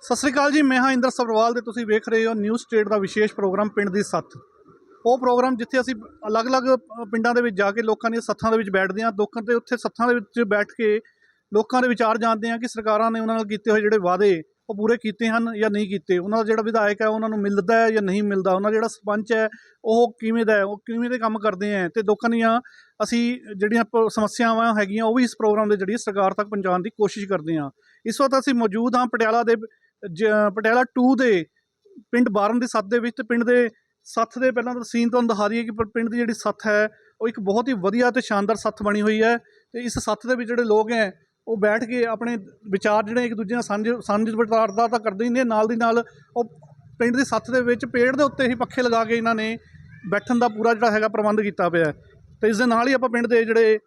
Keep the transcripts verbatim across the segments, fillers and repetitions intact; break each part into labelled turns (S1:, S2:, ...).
S1: ਸਤਿ ਸ਼੍ਰੀ ਅਕਾਲ ਜੀ, ਮੈਂ ਹਾਂ ਇੰਦਰ ਸਬਰਵਾਲ ਤੇ ਤੁਸੀਂ ਵੇਖ ਰਹੇ ਹੋ ਨਿਊਜ਼ ਸਟੇਟ ਦਾ ਵਿਸ਼ੇਸ਼ ਪ੍ਰੋਗਰਾਮ ਪਿੰਡ ਦੀ ਸੱਥ। ਉਹ ਪ੍ਰੋਗਰਾਮ ਜਿੱਥੇ ਅਸੀਂ ਅਲੱਗ-ਅਲੱਗ ਪਿੰਡਾਂ ਦੇ ਵਿੱਚ ਜਾ ਕੇ ਲੋਕਾਂ ਦੀਆਂ ਸੱਥਾਂ ਦੇ ਵਿੱਚ ਬੈਠਦੇ ਹਾਂ, ਲੋਕਾਂ ਤੇ ਉੱਥੇ ਸੱਥਾਂ ਦੇ ਵਿੱਚ ਬੈਠ ਕੇ ਲੋਕਾਂ ਦੇ ਵਿਚਾਰ ਜਾਣਦੇ ਹਾਂ ਕਿ ਸਰਕਾਰਾਂ ਨੇ ਉਹਨਾਂ ਨਾਲ ਕੀਤੇ ਹੋਏ ਜਿਹੜੇ ਵਾਅਦੇ ਉਹ ਪੂਰੇ ਕੀਤੇ ਹਨ ਜਾਂ ਨਹੀਂ ਕੀਤੇ। ਉਹਨਾਂ ਦਾ ਜਿਹੜਾ ਵਿਧਾਇਕ ਹੈ ਉਹਨਾਂ ਨੂੰ ਮਿਲਦਾ ਹੈ ਜਾਂ ਨਹੀਂ ਮਿਲਦਾ, ਉਹਨਾਂ ਜਿਹੜਾ ਸਰਪੰਚ ਹੈ ਉਹ ਕਿਵੇਂ ਦਾ ਹੈ, ਉਹ ਕਿਵੇਂ ਦੇ ਕੰਮ ਕਰਦੇ ਹੈ, ਅਤੇ ਲੋਕਾਂ ਦੀਆਂ ਅਸੀਂ ਜਿਹੜੀਆਂ ਪ ਸਮੱਸਿਆਵਾਂ ਹੈਗੀਆਂ ਉਹ ਵੀ ਇਸ ਪ੍ਰੋਗਰਾਮ ਦੇ ਜ਼ਰੀਏ ਸਰਕਾਰ ਤੱਕ ਪਹੁੰਚਾਉਣ ਦੀ ਕੋਸ਼ਿਸ਼ ਕਰਦੇ ਹਾਂ। ਇਸ ਵਕਤ ਅਸੀਂ ਮੌਜੂਦ ਹਾਂ ਪਟਿਆਲਾ ਦੇ ਜ ਪਟਿਆਲਾ ਟੂ ਦੇ ਪਿੰਡ ਬਾਰਨ ਦੀ ਸੱਥ ਦੇ ਵਿੱਚ। ਤੇ ਪਿੰਡ ਦੇ ਸੱਥ ਦੇ ਪਹਿਲਾਂ ਤਾਂ ਸੀਨ ਤੁਹਾਨੂੰ ਦਿਖਾ ਦਈਏ ਕਿ ਪਿੰਡ ਦੀ ਜਿਹੜੀ ਸੱਥ ਹੈ ਉਹ ਇੱਕ ਬਹੁਤ ਹੀ ਵਧੀਆ ਅਤੇ ਸ਼ਾਨਦਾਰ ਸੱਥ ਬਣੀ ਹੋਈ ਹੈ। ਅਤੇ ਇਸ ਸੱਥ ਦੇ ਵਿੱਚ ਜਿਹੜੇ ਲੋਕ ਹੈ ਉਹ ਬੈਠ ਕੇ ਆਪਣੇ ਵਿਚਾਰ ਜਿਹੜੇ ਇੱਕ ਦੂਜੇ ਨਾਲ ਸਾਂਝ ਸਾਂਝ ਵਿਚਾਰਦਾ ਤਾਂ ਕਰਦੇ ਹੀ ਨੇ, ਨਾਲ ਦੀ ਨਾਲ ਉਹ ਪਿੰਡ ਦੀ ਸੱਥ ਦੇ ਵਿੱਚ ਪੇੜ ਦੇ ਉੱਤੇ ਹੀ ਪੱਖੇ ਲਗਾ ਕੇ ਇਹਨਾਂ ਨੇ ਬੈਠਣ ਦਾ ਪੂਰਾ ਜਿਹੜਾ ਹੈਗਾ ਪ੍ਰਬੰਧ ਕੀਤਾ ਪਿਆ। ਅਤੇ ਇਸ ਦੇ ਨਾਲ ਹੀ ਆਪਾਂ ਪਿੰਡ ਦੇ ਜਿਹੜੇ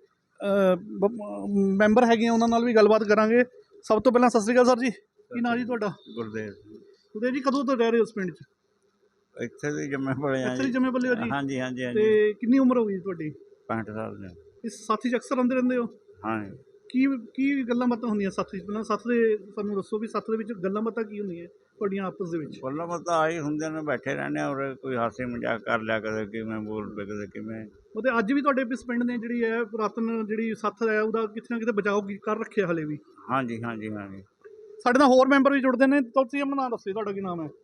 S1: ਮੈਂਬਰ ਹੈਗੇ ਆ ਉਹਨਾਂ ਨਾਲ ਵੀ ਗੱਲਬਾਤ ਕਰਾਂਗੇ। ਸਭ ਤੋਂ ਪਹਿਲਾਂ ਸਤਿ ਸ਼੍ਰੀ ਅਕਾਲ ਸਰ ਜੀ, ਕੀ ਨਾਂ ਜੀ ਤੁਹਾਡਾ?
S2: ਗੁਰਦੇਵ।
S1: ਗੁਰਦੇਵ ਜੀ, ਕਦੋਂ ਤੋਂ ਰਹਿ ਰਹੇ ਹੋ ਉਸ ਪਿੰਡ 'ਚ?
S2: ਇੱਥੇ ਦੇ ਜੰਮੇ ਪਲੇ ਆ।
S1: ਇੱਥੇ ਦੇ ਜੰਮੇ ਪਲੇ ਹੋ ਜੀ?
S2: ਹਾਂਜੀ ਹਾਂਜੀ ਹਾਂਜੀ।
S1: ਤੇ ਕਿੰਨੀ ਉਮਰ ਹੋ ਗਈ ਤੁਹਾਡੀ?
S2: ਪੈਂਹਠ ਸਾਲ ਦੇ।
S1: ਇਸ ਸਾਥੀ 'ਚ ਅਕਸਰ ਆਉਂਦੇ ਰਹਿੰਦੇ ਹੋ?
S2: ਹਾਂ।
S1: ਕੀ ਕੀ ਗੱਲਾਂ ਬਾਤਾਂ ਹੁੰਦੀਆਂ ਸੱਥ 'ਚ? ਪਹਿਲਾਂ ਸੱਥ ਦੇ ਸਾਨੂੰ ਦੱਸੋ ਵੀ ਸੱਥ ਦੇ ਵਿੱਚ ਗੱਲਾਂ ਬਾਤਾਂ ਕੀ ਹੁੰਦੀਆਂ ਤੁਹਾਡੀਆਂ ਆਪਸ ਦੇ ਵਿੱਚ?
S2: ਗੱਲਾਂ ਬਾਤਾਂ ਆਹੀ ਹੁੰਦੇ ਨੇ, ਬੈਠੇ ਰਹਿੰਦੇ ਔਰ ਕੋਈ ਹਾਸੇ ਮਜ਼ਾਕ ਕਰ ਲਿਆ, ਕਦੇ ਕਿਵੇਂ ਬੋਲ ਪਏ, ਕਦੇ ਕਿਵੇਂ।
S1: ਉਹ ਤੇ ਅੱਜ ਵੀ ਤੁਹਾਡੇ ਇਸ ਪਿੰਡ ਨੇ ਜਿਹੜੀ ਹੈ ਪੁਰਾਤਨ ਜਿਹੜੀ ਸੱਥ ਹੈ ਉਹਦਾ ਕਿਤੇ ਨਾ ਕਿਤੇ ਬਚਾਓ ਕਰ ਰੱਖਿਆ ਹਾਲੇ ਵੀ?
S2: ਹਾਂਜੀ ਹਾਂਜੀ ਹਾਂਜੀ।
S1: ਸਾਡੇ ਨਾਲ ਹੋਰ ਮੈਂਬਰ ਵੀ ਜੁੜਦੇ ਨੇ। ਤੁਸੀਂ ਆਪਣਾ ਨਾਮ ਦੱਸੋ, ਤੁਹਾਡਾ ਕੀ ਨਾਮ ਹੈ?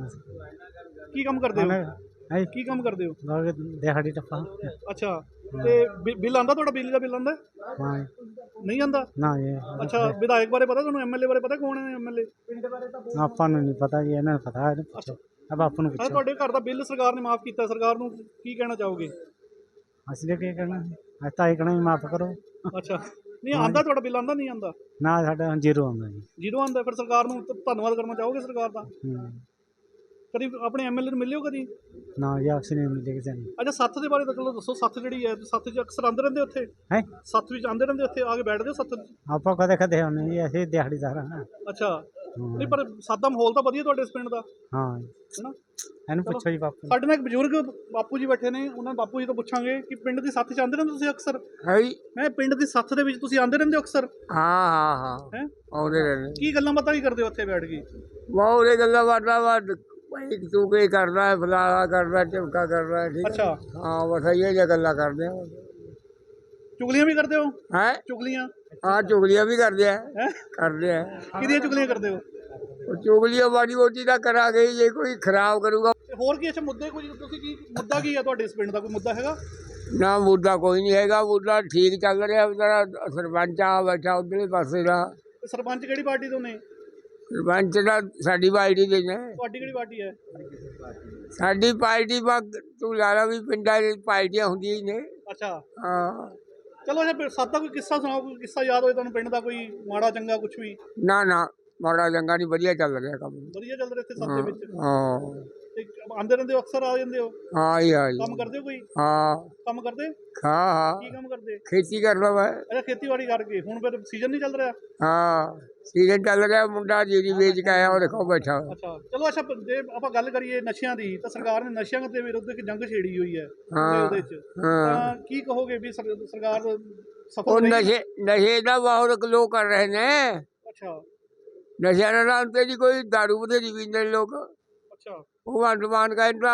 S1: ਕੀ ਕੰਮ ਕਰਦੇ ਹੋ? ਕੀ ਕੰਮ ਕਰਦੇ ਹੋ?
S3: ਦਿਹਾੜੀ ਟੱਪਾ।
S1: ਅੱਛਾ, ਤੇ ਬਿੱਲ ਆਉਂਦਾ ਤੁਹਾਡਾ? ਬਿਜਲੀ ਦਾ ਬਿੱਲ ਆਉਂਦਾ? ਨਹੀਂ ਆਉਂਦਾ ਨਾ ਜੀ। ਅੱਛਾ, ਵਿਧਾਇਕ ਬਾਰੇ ਪਤਾ ਤੁਹਾਨੂੰ? ਐਮਐਲਏ ਬਾਰੇ ਪਤਾ ਕੌਣ ਹੈ ਐਮਐਲਏ? ਪਿੰਡ ਬਾਰੇ ਤਾਂ
S3: ਆਪਾਂ ਨੂੰ ਨਹੀਂ ਪਤਾ ਜੀ, ਇਹਨਾਂ ਨੂੰ ਪਤਾ ਹੈ। ਅੱਛਾ, ਬਾਪੂ ਨੂੰ ਪੁੱਛੋ।
S1: ਤੁਹਾਡੇ ਘਰ ਦਾ ਬਿੱਲ ਸਰਕਾਰ ਨੇ ਮਾਫ ਕੀਤਾ, ਸਰਕਾਰ ਨੂੰ ਕੀ ਕਹਿਣਾ ਚਾਹੋਗੇ?
S3: ਅਸੀਂ ਤਾਂ ਕੀ ਕਹਿਣਾ, ਅਸੀਂ ਤਾਂ ਇਹ ਕਹਿਣਾ ਮਾਫ ਕਰੋ।
S1: ਅੱਛਾ, ਨਹੀਂ ਆਉਂਦਾ ਤੁਹਾਡਾ ਬਿੱਲ? ਆਉਂਦਾ ਨਹੀਂ ਆਉਂਦਾ? ਨਾ,
S3: ਸਾਡਾ ਜ਼ੀਰੋ ਆਉਂਦਾ ਜੀ।
S1: ਜ਼ੀਰੋ ਆਉਂਦਾ? ਫਿਰ ਸਰਕਾਰ ਨੂੰ ਧੰਨਵਾਦ ਕਰਨਾ ਚਾਹੋਗੇ ਸਰਕਾਰ ਦਾ? ਕਦੀ ਆਪਣੇ ਐਮਐਲਏ ਨੂੰ ਮਿਲਿਓ ਕਦੀ? ਨਾ ਜੀ, ਅਸੀਂ ਨਹੀਂ ਮਿਲੇ ਕਿਸੇ ਨੂੰ। ਅੱਛਾ, ਸੱਥ ਦੇ ਬਾਰੇ ਤਾਂ ਚਲੋ ਦੱਸੋ। ਸੱਥ ਜਿਹੜੀ ਹੈ ਸੱਥ 'ਚ ਅਕਸਰ ਆਉਂਦੇ ਰਹਿੰਦੇ? ਉੱਥੇ ਹੈ ਸੱਥ ਵਿੱਚ ਆਉਂਦੇ ਰਹਿੰਦੇ? ਉੱਥੇ ਆ ਕੇ ਬੈਠਦੇ ਹੋ ਸੱਥ 'ਚ? ਆਪਾਂ ਕਦੇ ਕਦੇ ਆਉਂਦੇ ਜੀ, ਅਸੀਂ ਦਿਹਾੜੀਦਾਰ ਹਾਂ। ਅੱਛਾ, ਨਹੀਂ ਪਰ ਸੱਥ ਦਾ ਮਾਹੌਲ ਤਾਂ ਵਧੀਆ ਤੁਹਾਡੇ ਇਸ ਪਿੰਡ ਦਾ? ਹਾਂ, ਹੈ ਨਾ। ਇਹਨੂੰ ਪੁੱਛੋ ਜੀ ਬਾਪੂ। ਸਾਡੇ ਨਾਲ ਇੱਕ ਬਜ਼ੁਰਗ ਬਾਪੂ ਜੀ ਬੈਠੇ ਨੇ, ਉਹਨਾਂ ਬਾਪੂ ਜੀ ਤੋਂ ਪੁੱਛਾਂਗੇ ਕਿ ਪਿੰਡ ਦੀ ਸੱਥ 'ਚ ਆਉਂਦੇ ਰਹਿੰਦੇ ਤੁਸੀਂ ਅਕਸਰ? ਹੈ ਜੀ। ਮੈਂ ਪਿੰਡ ਦੀ ਸੱਥ ਦੇ ਵਿੱਚ ਤੁਸੀਂ ਆਉਂਦੇ ਰਹਿੰਦੇ ਹੋ ਅਕਸਰ?
S4: ਹਾਂ ਹਾਂ ਹਾਂ।
S1: ਹੈ
S4: ਆਉਂਦੇ ਰਹਿੰਦੇ।
S1: ਕੀ ਗੱਲਾਂ ਬਾਤਾਂ ਵੀ ਕਰਦੇ ਹੋ ਉੱਥੇ ਬੈਠ ਕੇ?
S4: ਬਹੁਤ ਇਹ ਗੱਲਾਂ ਬਾਤਾਂ ਵਾ, ਭਾਈ ਤੂੰ ਕੀ ਕਰਦਾ ਹੈ, ਫਲਾਣਾ ਕਰਦਾ, ਝਮਕਾ ਕਰਦਾ। ਠੀਕ।
S1: ਅੱਛਾ,
S4: ਹਾਂ, ਬਸ ਇਹ ਜਿਹੀਆਂ ਗੱਲਾਂ ਕਰਦੇ ਆ।
S1: ਚੁਗਲੀਆਂ ਵੀ ਕਰਦੇ ਹੋ?
S4: ਹੈ
S1: ਚੁਗਲੀਆਂ?
S4: ਹਾਂ, ਚੁਗਲੀਆਂ ਵੀ ਕਰਦੇ ਆ। ਕਰਦੇ ਆ।
S1: ਕਿਹਦੀਆਂ ਚੁਗਲੀਆਂ ਕਰਦੇ ਹੋ?
S4: ਚੁਗਲੀਆਂ ਮਾੜੀ ਮੋਟੀ ਤਾਂ ਕਰਾਂਗੇ, ਜੇ ਕੋਈ ਖਰਾਬ ਕਰੂਗਾ।
S1: ਹੋਰ ਕੀ? ਅੱਛਾ, ਮੁੱਦੇ ਕੋਈ ਤੁਸੀਂ ਕੀ ਮੁੱਦਾ ਕੀ ਹੈ ਤੁਹਾਡੇ ਇਸ ਪਿੰਡ ਦਾ? ਕੋਈ ਮੁੱਦਾ ਹੈਗਾ?
S4: ਨਾ, ਮੁੱਦਾ ਕੋਈ ਨਹੀਂ ਹੈਗਾ। ਮੁੱਦਾ ਠੀਕ ਚੱਲ ਰਿਹਾ। ਵਿਚਾਰਾ ਸਰਪੰਚ ਆ ਬੈਠਾ ਉਧਰਲੇ ਪਾਸੇ ਦਾ।
S1: ਸਰਪੰਚ ਕਿਹੜੀ ਪਾਰਟੀ ਤੋਂ ਨੇ?
S4: ਸਰਪੰਚ ਦਾ ਸਾਡੀ ਪਾਰਟੀ ਦੇ ਨੇ।
S1: ਤੁਹਾਡੀ ਕਿਹੜੀ ਪਾਰਟੀ ਹੈ?
S4: ਸਾਡੀ ਪਾਰਟੀ ਵਾ, ਤੂੰ ਲਾ ਲਾ ਵੀ ਪਿੰਡਾਂ ਦੀ ਪਾਰਟੀਆਂ ਹੁੰਦੀਆਂ ਹੀ ਨੇ।
S1: ਅੱਛਾ,
S4: ਹਾਂ।
S1: ਚਲੋ ਅੱਛਾ, ਸੱਤ ਦਾ ਕੋਈ ਕਿੱਸਾ ਸੁਣਾਓ, ਕੋਈ ਕਿੱਸਾ ਯਾਦ ਹੋਏ ਤੁਹਾਨੂੰ ਪਿੰਡ ਦਾ, ਕੋਈ ਮਾੜਾ ਚੰਗਾ ਕੁਛ ਵੀ?
S4: ਨਾ ਨਾ, ਮਾੜਾ ਚੰਗਾ ਨਹੀਂ, ਵਧੀਆ ਚੱਲ ਰਿਹਾ ਕੰਮ।
S1: ਵਧੀਆ ਚੱਲ ਰਿਹਾ ਇੱਥੇ ਸੱਤ ਦੇ ਵਿੱਚ?
S4: ਹਾਂ।
S1: ਤੇ ਆਉਂਦੇ ਰਹਿੰਦੇ ਹੋ ਅਕਸਰ? ਆ ਜਾਂਦੇ ਹੋ?
S4: ਹਾਂ ਜੀ ਹਾਂ ਜੀ।
S1: ਕੰਮ ਕਰਦੇ ਹੋ ਕੋਈ?
S4: ਹਾਂ।
S1: ਕੰਮ ਕਰਦੇ?
S4: ਹਾਂ ਹਾਂ।
S1: ਕੀ ਕੰਮ ਕਰਦੇ?
S4: ਖੇਤੀ ਕਰਦਾ ਵਾ।
S1: ਅੱਛਾ, ਖੇਤੀਬਾੜੀ ਕਰਕੇ। ਹੁਣ ਫਿਰ ਸੀਜ਼ਨ ਨਹੀਂ ਚੱਲ ਰਿਹਾ?
S4: ਹਾਂ, ਸੀਜ਼ਨ ਚੱਲ ਰਿਹਾ। ਮੁੰਡਾ ਜੀਰੀ ਵੇਚ ਕੇ ਆਇਆ, ਉਹ ਦੇਖੋ ਬੈਠਾ।
S1: ਅੱਛਾ, ਚਲੋ ਅੱਛਾ, ਜੇ ਆਪਾਂ ਗੱਲ ਕਰੀਏ ਨਸ਼ਿਆਂ ਦੀ, ਤਾਂ ਸਰਕਾਰ ਨੇ ਨਸ਼ਿਆਂ ਦੇ ਵਿਰੁੱਧ ਇੱਕ ਜੰਗ ਛੇੜੀ ਹੋਈ ਹੈ ਉਹਦੇ 'ਚ। ਤਾਂ ਕੀ ਕਹੋਗੇ ਵੀ ਸਰਕਾਰ
S4: ਉਹ ਨਸ਼ੇ ਨਸ਼ੇ ਦਾ ਬਹੁਤ ਲੋਕ ਕਰ ਰਹੇ ਨੇ।
S1: ਅੱਛਾ,
S4: ਨਸ਼ਿਆਂ ਦੇ ਨਾਮ ਤੇ ਜੀ ਕੋਈ ਦਾਰੂ ਬਥੇਰੀ ਪੀਂਦੇ ਲੋਕ।
S1: ਅੱਛਾ,
S4: ਉਹ ਅੰਡਮਾਨ ਕਹਿੰਦਾ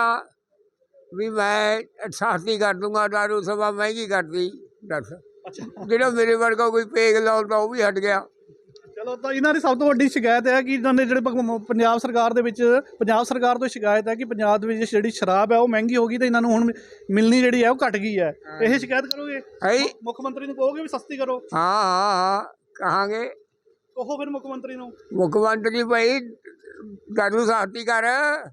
S4: ਵੀ ਮੈਂ ਸਾਥੀ ਕਰ ਦੂੰਗਾ, ਦਾਰੂ ਸਭਾ ਮਹਿੰਗੀ ਕਰਦੀ। ਦੱਸ, ਜਿਹੜਾ ਮੇਰੇ ਵਰਗਾ ਕੋਈ ਪੇਗ ਲਾਉਂਦਾ ਉਹ ਵੀ ਹਟ ਗਿਆ।
S1: ਚਲੋ, ਤਾਂ ਇਹਨਾਂ ਦੀ ਸਭ ਤੋਂ ਵੱਡੀ ਸ਼ਿਕਾਇਤ ਹੈ ਕਿ ਇਹਨਾਂ ਦੇ ਜਿਹੜੇ ਪੰਜਾਬ ਸਰਕਾਰ ਦੇ ਵਿੱਚ ਪੰਜਾਬ ਸਰਕਾਰ ਤੋਂ ਸ਼ਿਕਾਇਤ ਹੈ ਕਿ ਪੰਜਾਬ ਦੇ ਵਿੱਚ ਜਿਹੜੀ ਸ਼ਰਾਬ ਹੈ ਉਹ ਮਹਿੰਗੀ ਹੋ ਗਈ ਤੇ ਇਹਨਾਂ ਨੂੰ ਹੁਣ ਮਿਲਣੀ ਜਿਹੜੀ ਹੈ ਉਹ ਘਟ ਗਈ ਹੈ। ਇਹ ਸ਼ਿਕਾਇਤ ਕਰੋਗੇ? ਮੁੱਖ ਮੰਤਰੀ ਨੂੰ ਕਹੋਗੇ ਵੀ ਸਸਤੀ ਕਰੋ?
S4: ਹਾਂ ਹਾਂ ਹਾਂ, ਕਹਾਂਗੇ।
S1: ਕਹੋ ਫਿਰ ਮੁੱਖ ਮੰਤਰੀ ਨੂੰ।
S4: ਮੁੱਖ ਮੰਤਰੀ ਭਾਈ ਦਾਰੂ ਸਸਤੀ ਕਰ।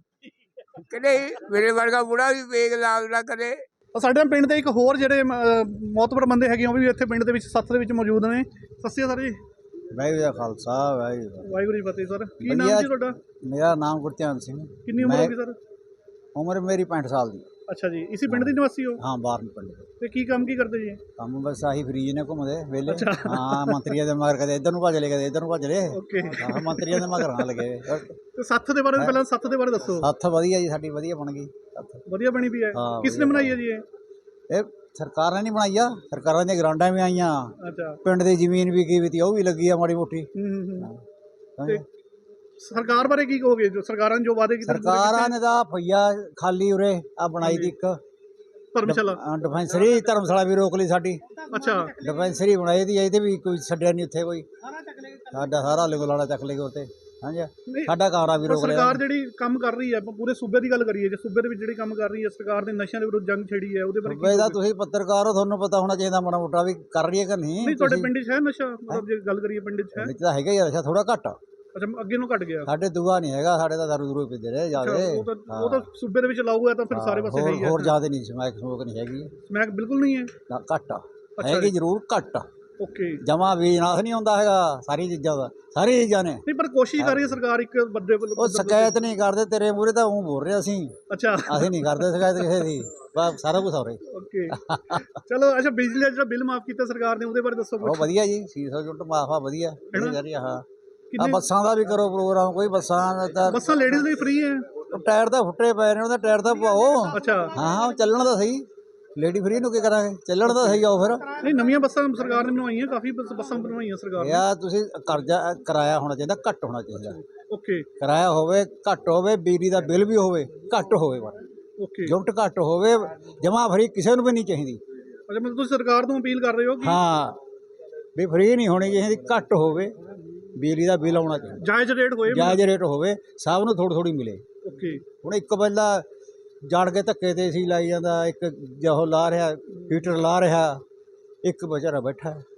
S4: ਕਦੇ ਮੇਰੇ ਵਰਗਾ ਬੁੜਾ ਵੀ ਵੇਗ ਲਾਗਦਾ ਕਦੇ।
S1: ਸਾਡੇ ਪਿੰਡ ਦੇ ਇੱਕ ਹੋਰ ਜਿਹੜੇ ਮੌਤਬਰ ਬੰਦੇ ਹੈਗੇ ਉਹ ਵੀ ਇੱਥੇ ਪਿੰਡ ਦੇ ਵਿੱਚ ਸੱਥ ਦੇ ਵਿੱਚ ਮੌਜੂਦ ਨੇ। ਸਤਿ ਸ਼੍ਰੀ ਅਕਾਲ ਸਰ ਜੀ।
S5: ਵਾਹਿਗੁਰੂ ਜੀ ਕਾ ਖਾਲਸਾ,
S1: ਵਾਹਿਗੁਰੂ ਜੀ ਫਤਿਹ। ਸਰ, ਕੀ ਨਾਮ ਜੀ ਤੁਹਾਡਾ?
S5: ਮੇਰਾ ਨਾਮ ਗੁਰਧਿਆਨ ਸਿੰਘ।
S1: ਕਿੰਨੀ ਉਮਰ ਹੋਗੀ ਸਰ?
S5: ਉਮਰ ਮੇਰੀ ਪੈਂਹਠ ਸਾਲ ਦੀ।
S1: ਅੱਛਾ ਜੀ, ਇਸੇ ਪਿੰਡ ਦੇ ਨਿਵਾਸੀ ਹੋ?
S5: ਹਾਂ, ਬਾਰਨ ਪਿੰਡ।
S1: ਤੇ ਕੀ ਕੰਮ ਕੀ ਕਰਦੇ ਜੀ?
S5: ਕੰਮ ਬਸ ਆਹੀ ਫਰੀਜ ਨੇ, ਘੁੰਮਦੇ ਵੇਲੇ। ਹਾਂ, ਮੰਤਰੀਆਂ ਦੇ ਮਗਰ ਕਦੇ ਇੱਧਰ ਨੂੰ ਭੱਜ ਲਏ, ਕਦੇ ਇੱਧਰ ਨੂੰ ਭੱਜ ਲਏ। ਹਾਂ, ਮੰਤਰੀਆਂ ਦੇ ਮਗਰ ਨਾ ਲੱਗੇ।
S1: ਤੇ ਸੱਥ ਦੇ ਬਾਰੇ ਪਹਿਲਾਂ ਸੱਥ ਦੇ ਬਾਰੇ ਦੱਸੋ।
S5: ਸੱਥ ਵਧੀਆ ਜੀ, ਸਾਡੀ ਵਧੀਆ ਬਣ ਗਈ।
S1: ਵਧੀਆ ਬਣੀ ਵੀ ਹੈ? ਕਿਸ ਨੇ ਬਣਾਈ ਹੈ ਜੀ ਇਹ?
S5: ਇਹ ਸਰਕਾਰ ਨੇ ਨਹੀਂ ਬਣਾਈ ਆ, ਸਰਕਾਰਾਂ ਦੀਆਂ ਗਰਾਂਟਾਂ ਵੀ ਆਈਆਂ।
S1: ਅੱਛਾ,
S5: ਪਿੰਡ ਦੀ ਜ਼ਮੀਨ ਵੀ ਕੀ ਵੀ ਤੀ ਉਹ ਵੀ ਲੱਗੀ ਆ ਮਾੜੀ ਮੋਟੀ।
S1: ਸਰਕਾਰ ਬਾਰੇ ਕੀ ਕਹੋਗੇ ਜੋ ਸਰਕਾਰਾਂ ਨੇ ਜੋ ਵਾਅਦੇ ਕੀਤੇ
S5: ਸਰਕਾਰਾਂ ਨੇ ਤਾਂ ਭਈਆ ਖਾਲੀ ਉਰੇ ਆ ਬਣਾਈ ਦੀ ਇੱਕ
S1: ਧਰਮਸ਼ਾਲਾ
S5: ਡਿਫੈਂਸਰੀ ਧਰਮਸ਼ਾਲਾ ਵੀ ਰੋਕ ਲਈ ਸਾਡੀ।
S1: ਅੱਛਾ
S5: ਡਿਫੈਂਸਰੀ ਬਣਾਈ ਦੀ ਇਹਦੇ ਵੀ ਕੋਈ ਛੱਡਿਆ ਨਹੀਂ ਉੱਥੇ ਕੋਈ, ਸਾਡਾ ਸਾਰਾ ਲਿਗਲਾੜਾ ਚੱਕ ਲੇਗਾ ਉੱਤੇ। ਹਾਂਜੀ ਸਾਡਾ ਕਾਰਾ ਵੀ ਰੋਕ ਲਿਆ।
S1: ਸਰਕਾਰ ਜਿਹੜੀ ਕੰਮ ਕਰ ਰਹੀ ਹੈ ਆਪਾਂ ਪੂਰੇ ਸੂਬੇ ਦੀ ਗੱਲ ਕਰੀਏ, ਜੇ ਸੂਬੇ ਦੇ ਵਿੱਚ ਜਿਹੜੀ ਕੰਮ ਕਰ ਰਹੀ ਹੈ ਸਰਕਾਰ ਨੇ ਨਸ਼ਿਆਂ ਦੇ ਵਿਰੁੱਧ ਜੰਗ ਛੇੜੀ ਹੈ ਉਹਦੇ ਬਾਰੇ ਕੀ
S5: ਸੂਬੇ ਦਾ
S1: ਕਹੋਗੇ?
S5: ਤੁਸੀਂ ਪੱਤਰਕਾਰ ਹੋ, ਤੁਹਾਨੂੰ ਪਤਾ ਹੋਣਾ ਚਾਹੀਦਾ ਮਾੜਾ ਮੋਟਾ ਵੀ ਕਰ ਰਹੀ ਹੈ ਕਿ ਨਹੀਂ।
S1: ਨਹੀਂ ਤੁਹਾਡੇ
S5: ਤੁਸੀਂ-
S1: ਪਿੰਡ 'ਚ ਹੈ ਨਸ਼ਾ, ਮਤਲਬ ਜੇ ਗੱਲ ਕਰੀਏ ਪਿੰਡ 'ਚ ਹੈ?
S5: ਵਿੱਚ ਤਾਂ ਹੈਗਾ ਹੀ ਆ ਨਸ਼ਾ, ਥੋੜਾ ਘੱਟ।
S1: ਅੱਛਾ ਅੱਗੇ ਨੂੰ ਘਟ ਗਿਆ।
S5: ਸਾਡੇ ਦੂਆ ਨਹੀਂ ਹੈਗਾ, ਸਾਡੇ ਤਾਂ ਦਾਰੂ ਦੂਰੂ ਪੀਂਦੇ ਰਹੇ
S1: ਅੱਛਾ,
S5: ਜਿਆਦੇ।
S1: ਉਹ ਤਾਂ ਉਹ ਤਾਂ ਸੂਬੇ ਦੇ ਵਿੱਚ ਲਾਊ ਹੈ ਤਾਂ ਫਿਰ ਸਾਰੇ ਪਾਸੇ ਹੈ ਹੀ ਹੈ।
S5: ਹੋਰ ਜਿਆਦੇ ਨਹੀਂ ਸਮੈਕ ਸਮੋਕ ਨਹੀਂ ਹੈਗੀ,
S1: ਸਮੈਕ ਬਿਲਕੁਲ ਨਹੀਂ ਹੈ।
S5: ਨਾ ਘੱਟ ਹੈਗੀ, ਜ਼ਰੂਰ ਘੱਟ।
S1: ਓਕੇ
S5: ਜਮਾ ਵੀ ਨਾਸ ਨਹੀਂ ਹੁੰਦਾ ਹੈਗਾ ਸਾਰੀ ਚੀਜ਼ਾਂ ਦਾ, ਸਾਰੀ ਚੀਜ਼ਾਂ ਨੇ।
S1: ਨਹੀਂ ਪਰ ਕੋਸ਼ਿਸ਼ ਕਰ ਰਹੀ ਹੈ ਸਰਕਾਰ ਇੱਕ ਬੰਦੇ ਵੱਲੋਂ।
S5: ਉਹ ਸ਼ਿਕਾਇਤ ਨਹੀਂ ਕਰਦੇ, ਤੇਰੇ ਮੂਹਰੇ ਤਾਂ ਉਹ ਬੋਲ ਰਹੇ ਅਸੀਂ
S1: ਅੱਛਾ
S5: ਅਸੀਂ ਨਹੀਂ ਕਰਦੇ ਸ਼ਿਕਾਇਤ ਕਿਸੇ ਦੀ, ਬਸ ਸਾਰਾ ਕੁਝ ਹੋ ਰਿਹਾ।
S1: ਓਕੇ ਚਲੋ ਅੱਛਾ ਬਿਜਲੀ ਦਾ ਜਿਹੜਾ ਬਿੱਲ ਮਾਫ ਕੀਤਾ ਸਰਕਾਰ ਨੇ ਉਹਦੇ ਬਾਰੇ ਦੱਸੋ
S5: ਉਹ
S1: ਕੁਛ।
S5: ਵਧੀਆ ਜੀ, ਛੇ ਸੌ ਯੂਨਿਟ ਮਾਫ ਆ, ਵਧੀਆ
S1: ਹੈਨਾ?
S5: ਜਾ ਰਹੀ ਆ। ਹਾਂ ਆ
S1: ਕਿੰਨੇ
S5: ਬੱਸਾਂ ਦਾ ਵੀ ਕਰੋ ਪ੍ਰੋਗਰਾਮ, ਕੋਈ ਬੱਸਾਂ ਦਾ ਤਾਂ
S1: ਬੱਸਾਂ ਲੇਡੀਜ਼ ਲਈ ਫ੍ਰੀ ਹੈ?
S5: ਟਾਇਰ ਤਾਂ ਫੁੱਟੇ ਪਏ ਨੇ, ਉਹਦਾ ਟਾਇਰ ਤਾਂ ਪਾਓ।
S1: ਅੱਛਾ
S5: ਹਾਂ ਹਾਂ ਚੱਲਣ ਦਾ ਸਹੀ, ਲੇਡੀ ਫਰੀ ਨੂੰ ਕੀ ਕਰਾਂਗੇ, ਚੱਲਣ ਦਾ ਸਹੀ ਆਓ ਫਿਰ।
S1: ਨਹੀਂ ਨਵੀਆਂ ਬੱਸਾਂ ਸਰਕਾਰ ਨੇ ਬਣਵਾਈਆਂ, ਕਾਫੀ ਬੱਸ- ਬੱਸਾਂ ਬਣਵਾਈਆਂ ਸਰਕਾਰ ਨੇ।
S5: ਯਾ ਤੁਸੀਂ ਕਰਜ਼ਾ ਕਿਰਾਇਆ ਹੋਣਾ ਚਾਹੀਦਾ, ਘੱਟ ਹੋਣਾ ਚਾਹੀਦਾ।
S1: ਓਕੇ
S5: ਕਿਰਾਇਆ ਹੋਵੇ ਘੱਟ ਹੋਵੇ, ਬਿਜਲੀ ਦਾ ਬਿੱਲ ਵੀ ਹੋਵੇ ਘੱਟ ਹੋਵੇ, ਬਸ
S1: ਓਕੇ
S5: ਯੂਨਿਟ ਘੱਟ ਹੋਵੇ, ਜਮਾ ਫਰੀ ਕਿਸੇ ਨੂੰ ਵੀ ਨਹੀਂ ਚਾਹੀਦੀ।
S1: ਅੱਛਾ ਮਤਲਬ ਤੁਸੀਂ ਸਰਕਾਰ ਤੋਂ ਅਪੀਲ ਕਰ ਰਹੇ ਹੋ ਕਿ
S5: ਹਾਂ ਵੀ ਫਰੀ ਨਹੀਂ ਹੋਣੀ ਚਾਹੀਦੀ, ਘੱਟ ਹੋਵੇ, ਬਿਜਲੀ ਦਾ ਬਿੱਲ ਆਉਣਾ ਚਾਹੀਦਾ,
S1: ਜਾਇਜ਼ ਰੇਟ ਹੋਏ।
S5: ਜਾਇਜ਼ ਰੇਟ ਹੋਵੇ, ਸਭ ਨੂੰ ਥੋੜ੍ਹੀ ਥੋੜ੍ਹੀ ਮਿਲੇ।
S1: ਓਕੇ
S5: ਹੁਣ ਇੱਕ ਬੰਦਾ ਜੜ ਕੇ ਧੱਕੇ ਤੇ ਸੀ ਲਾਈ ਜਾਂਦਾ, ਇੱਕ ਜੋ ਲਾ ਰਿਹਾ ਹੀਟਰ ਲਾ ਰਿਹਾ, ਇੱਕ ਵਿਚਾਰਾ ਬੈਠਾ ਹੈ।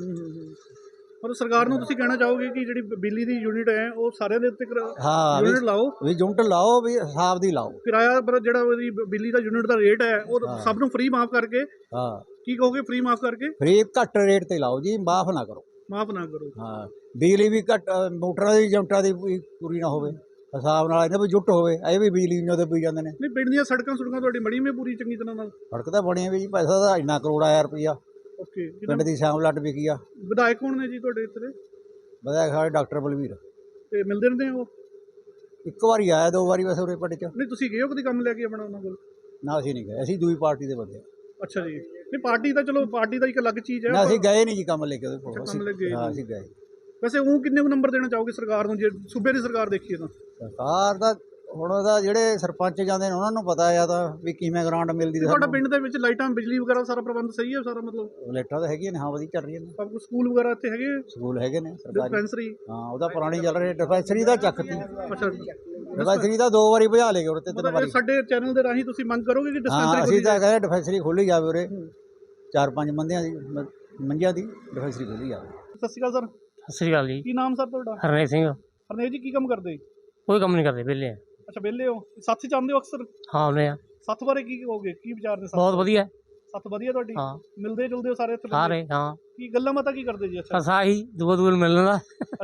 S1: ਪਰ ਸਰਕਾਰ ਨੂੰ ਤੁਸੀਂ ਕਹਿਣਾ ਚਾਹੋਗੇ ਕਿ ਜਿਹੜੀ ਬਿਜਲੀ ਦੀ ਯੂਨਿਟ ਹੈ ਉਹ ਸਾਰਿਆਂ ਦੇ ਉੱਤੇ
S5: ਹਾਂ
S1: ਯੂਨਿਟ
S5: ਵੀ-
S1: ਲਾਓ,
S5: ਵੀ ਯੂਨਿਟ ਲਾਓ, ਵੀ ਹਿਸਾਬ ਦੀ ਲਾਓ।
S1: ਕਿਰਾਇਆ ਪਰ ਜਿਹੜਾ ਉਹਦੀ ਬਿਜਲੀ ਦਾ ਯੂਨਿਟ ਦਾ ਰੇਟ ਹੈ ਉਹ ਸਭ ਨੂੰ ਫ੍ਰੀ ਮਾਫ ਕਰਕੇ।
S5: ਹਾਂ
S1: ਕੀ ਕਹੋਗੇ ਫ੍ਰੀ ਮਾਫ ਕਰਕੇ?
S5: ਫਰੀ ਘੱਟ ਰੇਟ ਤੇ ਲਾਓ ਜੀ, ਮਾਫ ਨਾ ਕਰੋ।
S1: ਮਾਫ ਨਾ ਕਰੋ।
S5: ਹਾਂ ਬਿਜਲੀ ਵੀ ਘੱਟ, ਮੋਟਰਾਂ ਦੀ ਯੂਨਿਟਾਂ ਦੀ ਵੀ ਪੂਰੀ ਨਾ ਹੋਵੇ, ਹਿਸਾਬ ਨਾਲ ਇਹਨਾਂ ਵੀ ਜੁੱਟ ਹੋਵੇ, ਇਹ ਵੀ ਬਿਜਲੀ ਨੂੰ ਪੀ ਜਾਂਦੇ ਨੇ।
S1: ਨਹੀਂ ਪਿੰਡ ਦੀਆਂ ਸੜਕਾਂ ਸੁੜਕਾਂ ਤੁਹਾਡੀ ਮੜੀ ਮੇ ਪੂਰੀ ਚੰਗੀ ਤਰ੍ਹਾਂ ਨਾਲ?
S5: ਸੜਕ ਤਾਂ ਬਣੀ ਵੀ ਜੀ, ਪੈਸਾ ਤਾਂ ਇੰਨਾ ਕਰੋੜ ਆਇਆ ਰੁਪਈਆ,
S1: ਓਕੇ
S5: ਪਿੰਡ ਦੀ ਸ਼ਾਮ ਲੱਟ ਵਿਕੀ ਆ।
S1: ਵਿਧਾਇਕ ਕੌਣ ਨੇ ਜੀ ਤੁਹਾਡੇ ਇੱਥੇ?
S5: ਵਧਿਆ ਸਾਡੇ ਡਾਕਟਰ ਬਲਵੀਰ,
S1: ਤੇ ਮਿਲਦੇ ਰਹਿੰਦੇ ਹੋ?
S5: ਇੱਕ ਵਾਰੀ ਆਇਆ, ਦੋ ਵਾਰੀ ਵੈਸੇ ਉਰੇ ਪਿੰਡ 'ਚ।
S1: ਨਹੀਂ ਤੁਸੀਂ ਗਏ ਹੋ ਕਦੀ ਕੰਮ ਲੈ ਕੇ ਆਪਣਾ ਉਹਨਾਂ ਕੋਲ?
S5: ਨਾ ਅਸੀਂ ਨਹੀਂ ਗਏ, ਅਸੀਂ ਦੂਈ ਪਾਰਟੀ ਦੇ ਬੰਦੇ।
S1: ਅੱਛਾ ਜੀ। ਨਹੀਂ ਪਾਰਟੀ ਤਾਂ ਚਲੋ ਪਾਰਟੀ ਦਾ ਇੱਕ ਅਲੱਗ ਚੀਜ਼ ਹੈ।
S5: ਨਾ ਅਸੀਂ ਗਏ ਨਹੀਂ ਜੀ ਕੰਮ ਲੈ ਕੇ ਉਹਦੇ ਕੋਲ।
S1: ਕੰਮ ਲੈ ਗਏ
S5: ਹਾਂ
S1: ਨਹੀਂ।
S5: ਅਸੀਂ ਗਏ।
S1: ਵੈਸੇ ਉਹ ਕਿੰਨੇ ਕੁ ਨੰਬਰ ਦੇਣਾ ਚਾਹੋਗੇ ਸਰਕਾਰ ਨੂੰ ਜੇ ਸੂਬੇ ਦੀ ਸਰਕਾਰ ਦੇਖੀਏ ਤਾਂ?
S5: ਸਰਕਾਰ ਦਾ ਹੁਣ ਉਹਦਾ ਜਿਹੜੇ ਸਰਪੰਚ ਜਾਂਦੇ ਨੇ ਉਹਨਾਂ ਨੂੰ ਪਤਾ ਆ ਤਾਂ ਵੀ ਕਿਵੇਂ ਗ੍ਰਾਂਟ ਮਿਲਦੀ।
S1: ਤੁਹਾਡਾ ਪਿੰਡ ਦੇ ਵਿੱਚ ਲਾਈਟਾਂ ਬਿਜਲੀ ਵਗੈਰਾ ਸਾਰਾ ਪ੍ਰਬੰਧ ਸਹੀ ਹੈ ਸਾਰਾ? ਮਤਲਬ
S5: ਲਾਈਟਾਂ ਤਾਂ ਹੈਗੀਆਂ ਨੇ, ਹਾਂ ਵਧੀਆ ਚੱਲ ਰਹੀਆਂ ਨੇ।
S1: ਸਭ ਕੁਝ ਸਕੂਲ ਵਗੈਰਾ ਇੱਥੇ ਹੈਗੇ?
S5: ਸਕੂਲ ਹੈਗੇ ਨੇ ਸਰਕਾਰੀ।
S1: ਡਿਸਪੈਂਸਰੀ?
S5: ਹਾਂ ਉਹਦਾ ਪੁਰਾਣੀ ਚੱਲ ਰਹੀ ਡਿਸਪੈਂਸਰੀ ਦਾ ਚੱਕਤੀ।
S1: ਅੱਛਾ
S5: ਡਿਸਪੈਂਸਰੀ ਦਾ ਦੋ ਵਾਰੀ ਭਜਾ ਲਏ ਉਰੇ ਤੇ ਤਿੰਨ
S1: ਮਤਲਬ
S5: ਵਾਰੀ।
S1: ਸਾਡੇ ਚੈਨਲ ਦੇ ਰਾਹੀਂ ਤੁਸੀਂ ਮੰਗ ਕਰੋਗੇ ਕਿ
S5: ਹਾਂ
S1: ਡਿਸਪੈਂਸਰੀ
S5: ਅਸੀਂ ਤਾਂ ਕਹਿੰਦੇ ਡਿਸਪੈਂਸਰੀ ਖੋਲੀ ਜਾਵੇ ਉਰੇ, ਚਾਰ ਪੰਜ ਬੰਦਿਆਂ ਦੀ ਮ- ਮੰਜਿਆਂ ਦੀ ਡਿਸਪੈਂਸਰੀ ਖੋਲੀ ਜਾਵੇ।
S1: ਸਤਿ ਸ਼੍ਰੀ ਅਕਾਲ ਸਰ।
S3: ਸਤਿ ਸ਼੍ਰੀ ਅਕਾਲ ਜੀ।
S1: ਕੀ ਨਾਮ ਸਰ ਤੁਹਾਡਾ?
S3: ਹਰਨੇਕ ਸਿੰਘ।
S1: ਹਰਨੇਕ ਜੀ ਕੀ ਕੰਮ ਕਰਦੇ?
S3: ਕੋਈ ਕੰਮ ਨਹੀਂ ਕਰਦੇ, ਵਿਹਲੇ ਆ।
S1: ਅੱਛਾ ਵਿਹਲੇ ਹੋ? ਸਾਥੀ ਚਾਹੁੰਦੇ ਹੋ ਅਕਸਰ?
S3: ਹਾਂ ਆਉਂਦੇ ਆ,
S1: ਸੱਥ ਬਾਰੇ ਕੀ ਕਹੋਗੇ, ਕੀ ਵਿਚਾਰ ਨੇ?
S3: ਬਹੁਤ ਵਧੀਆ।
S1: ਸੱਥ ਵਧੀਆ ਤੁਹਾਡੀ?
S3: ਹਾਂ
S1: ਮਿਲਦੇ ਜੁਲਦੇ ਹੋ ਸਾਰੇ ਇੱਥੇ ਬੰਦੇ?
S3: ਸਾਰੇ ਹਾਂ,
S1: ਕੀ ਗੱਲਾਂ ਬਾਤਾਂ ਕੀ ਕਰਦੇ ਜੀ? ਅੱਛਾ
S3: ਬਸ ਆਹੀ ਦੂਆ ਦੂਆ ਨੂੰ ਮਿਲਣ ਦਾ,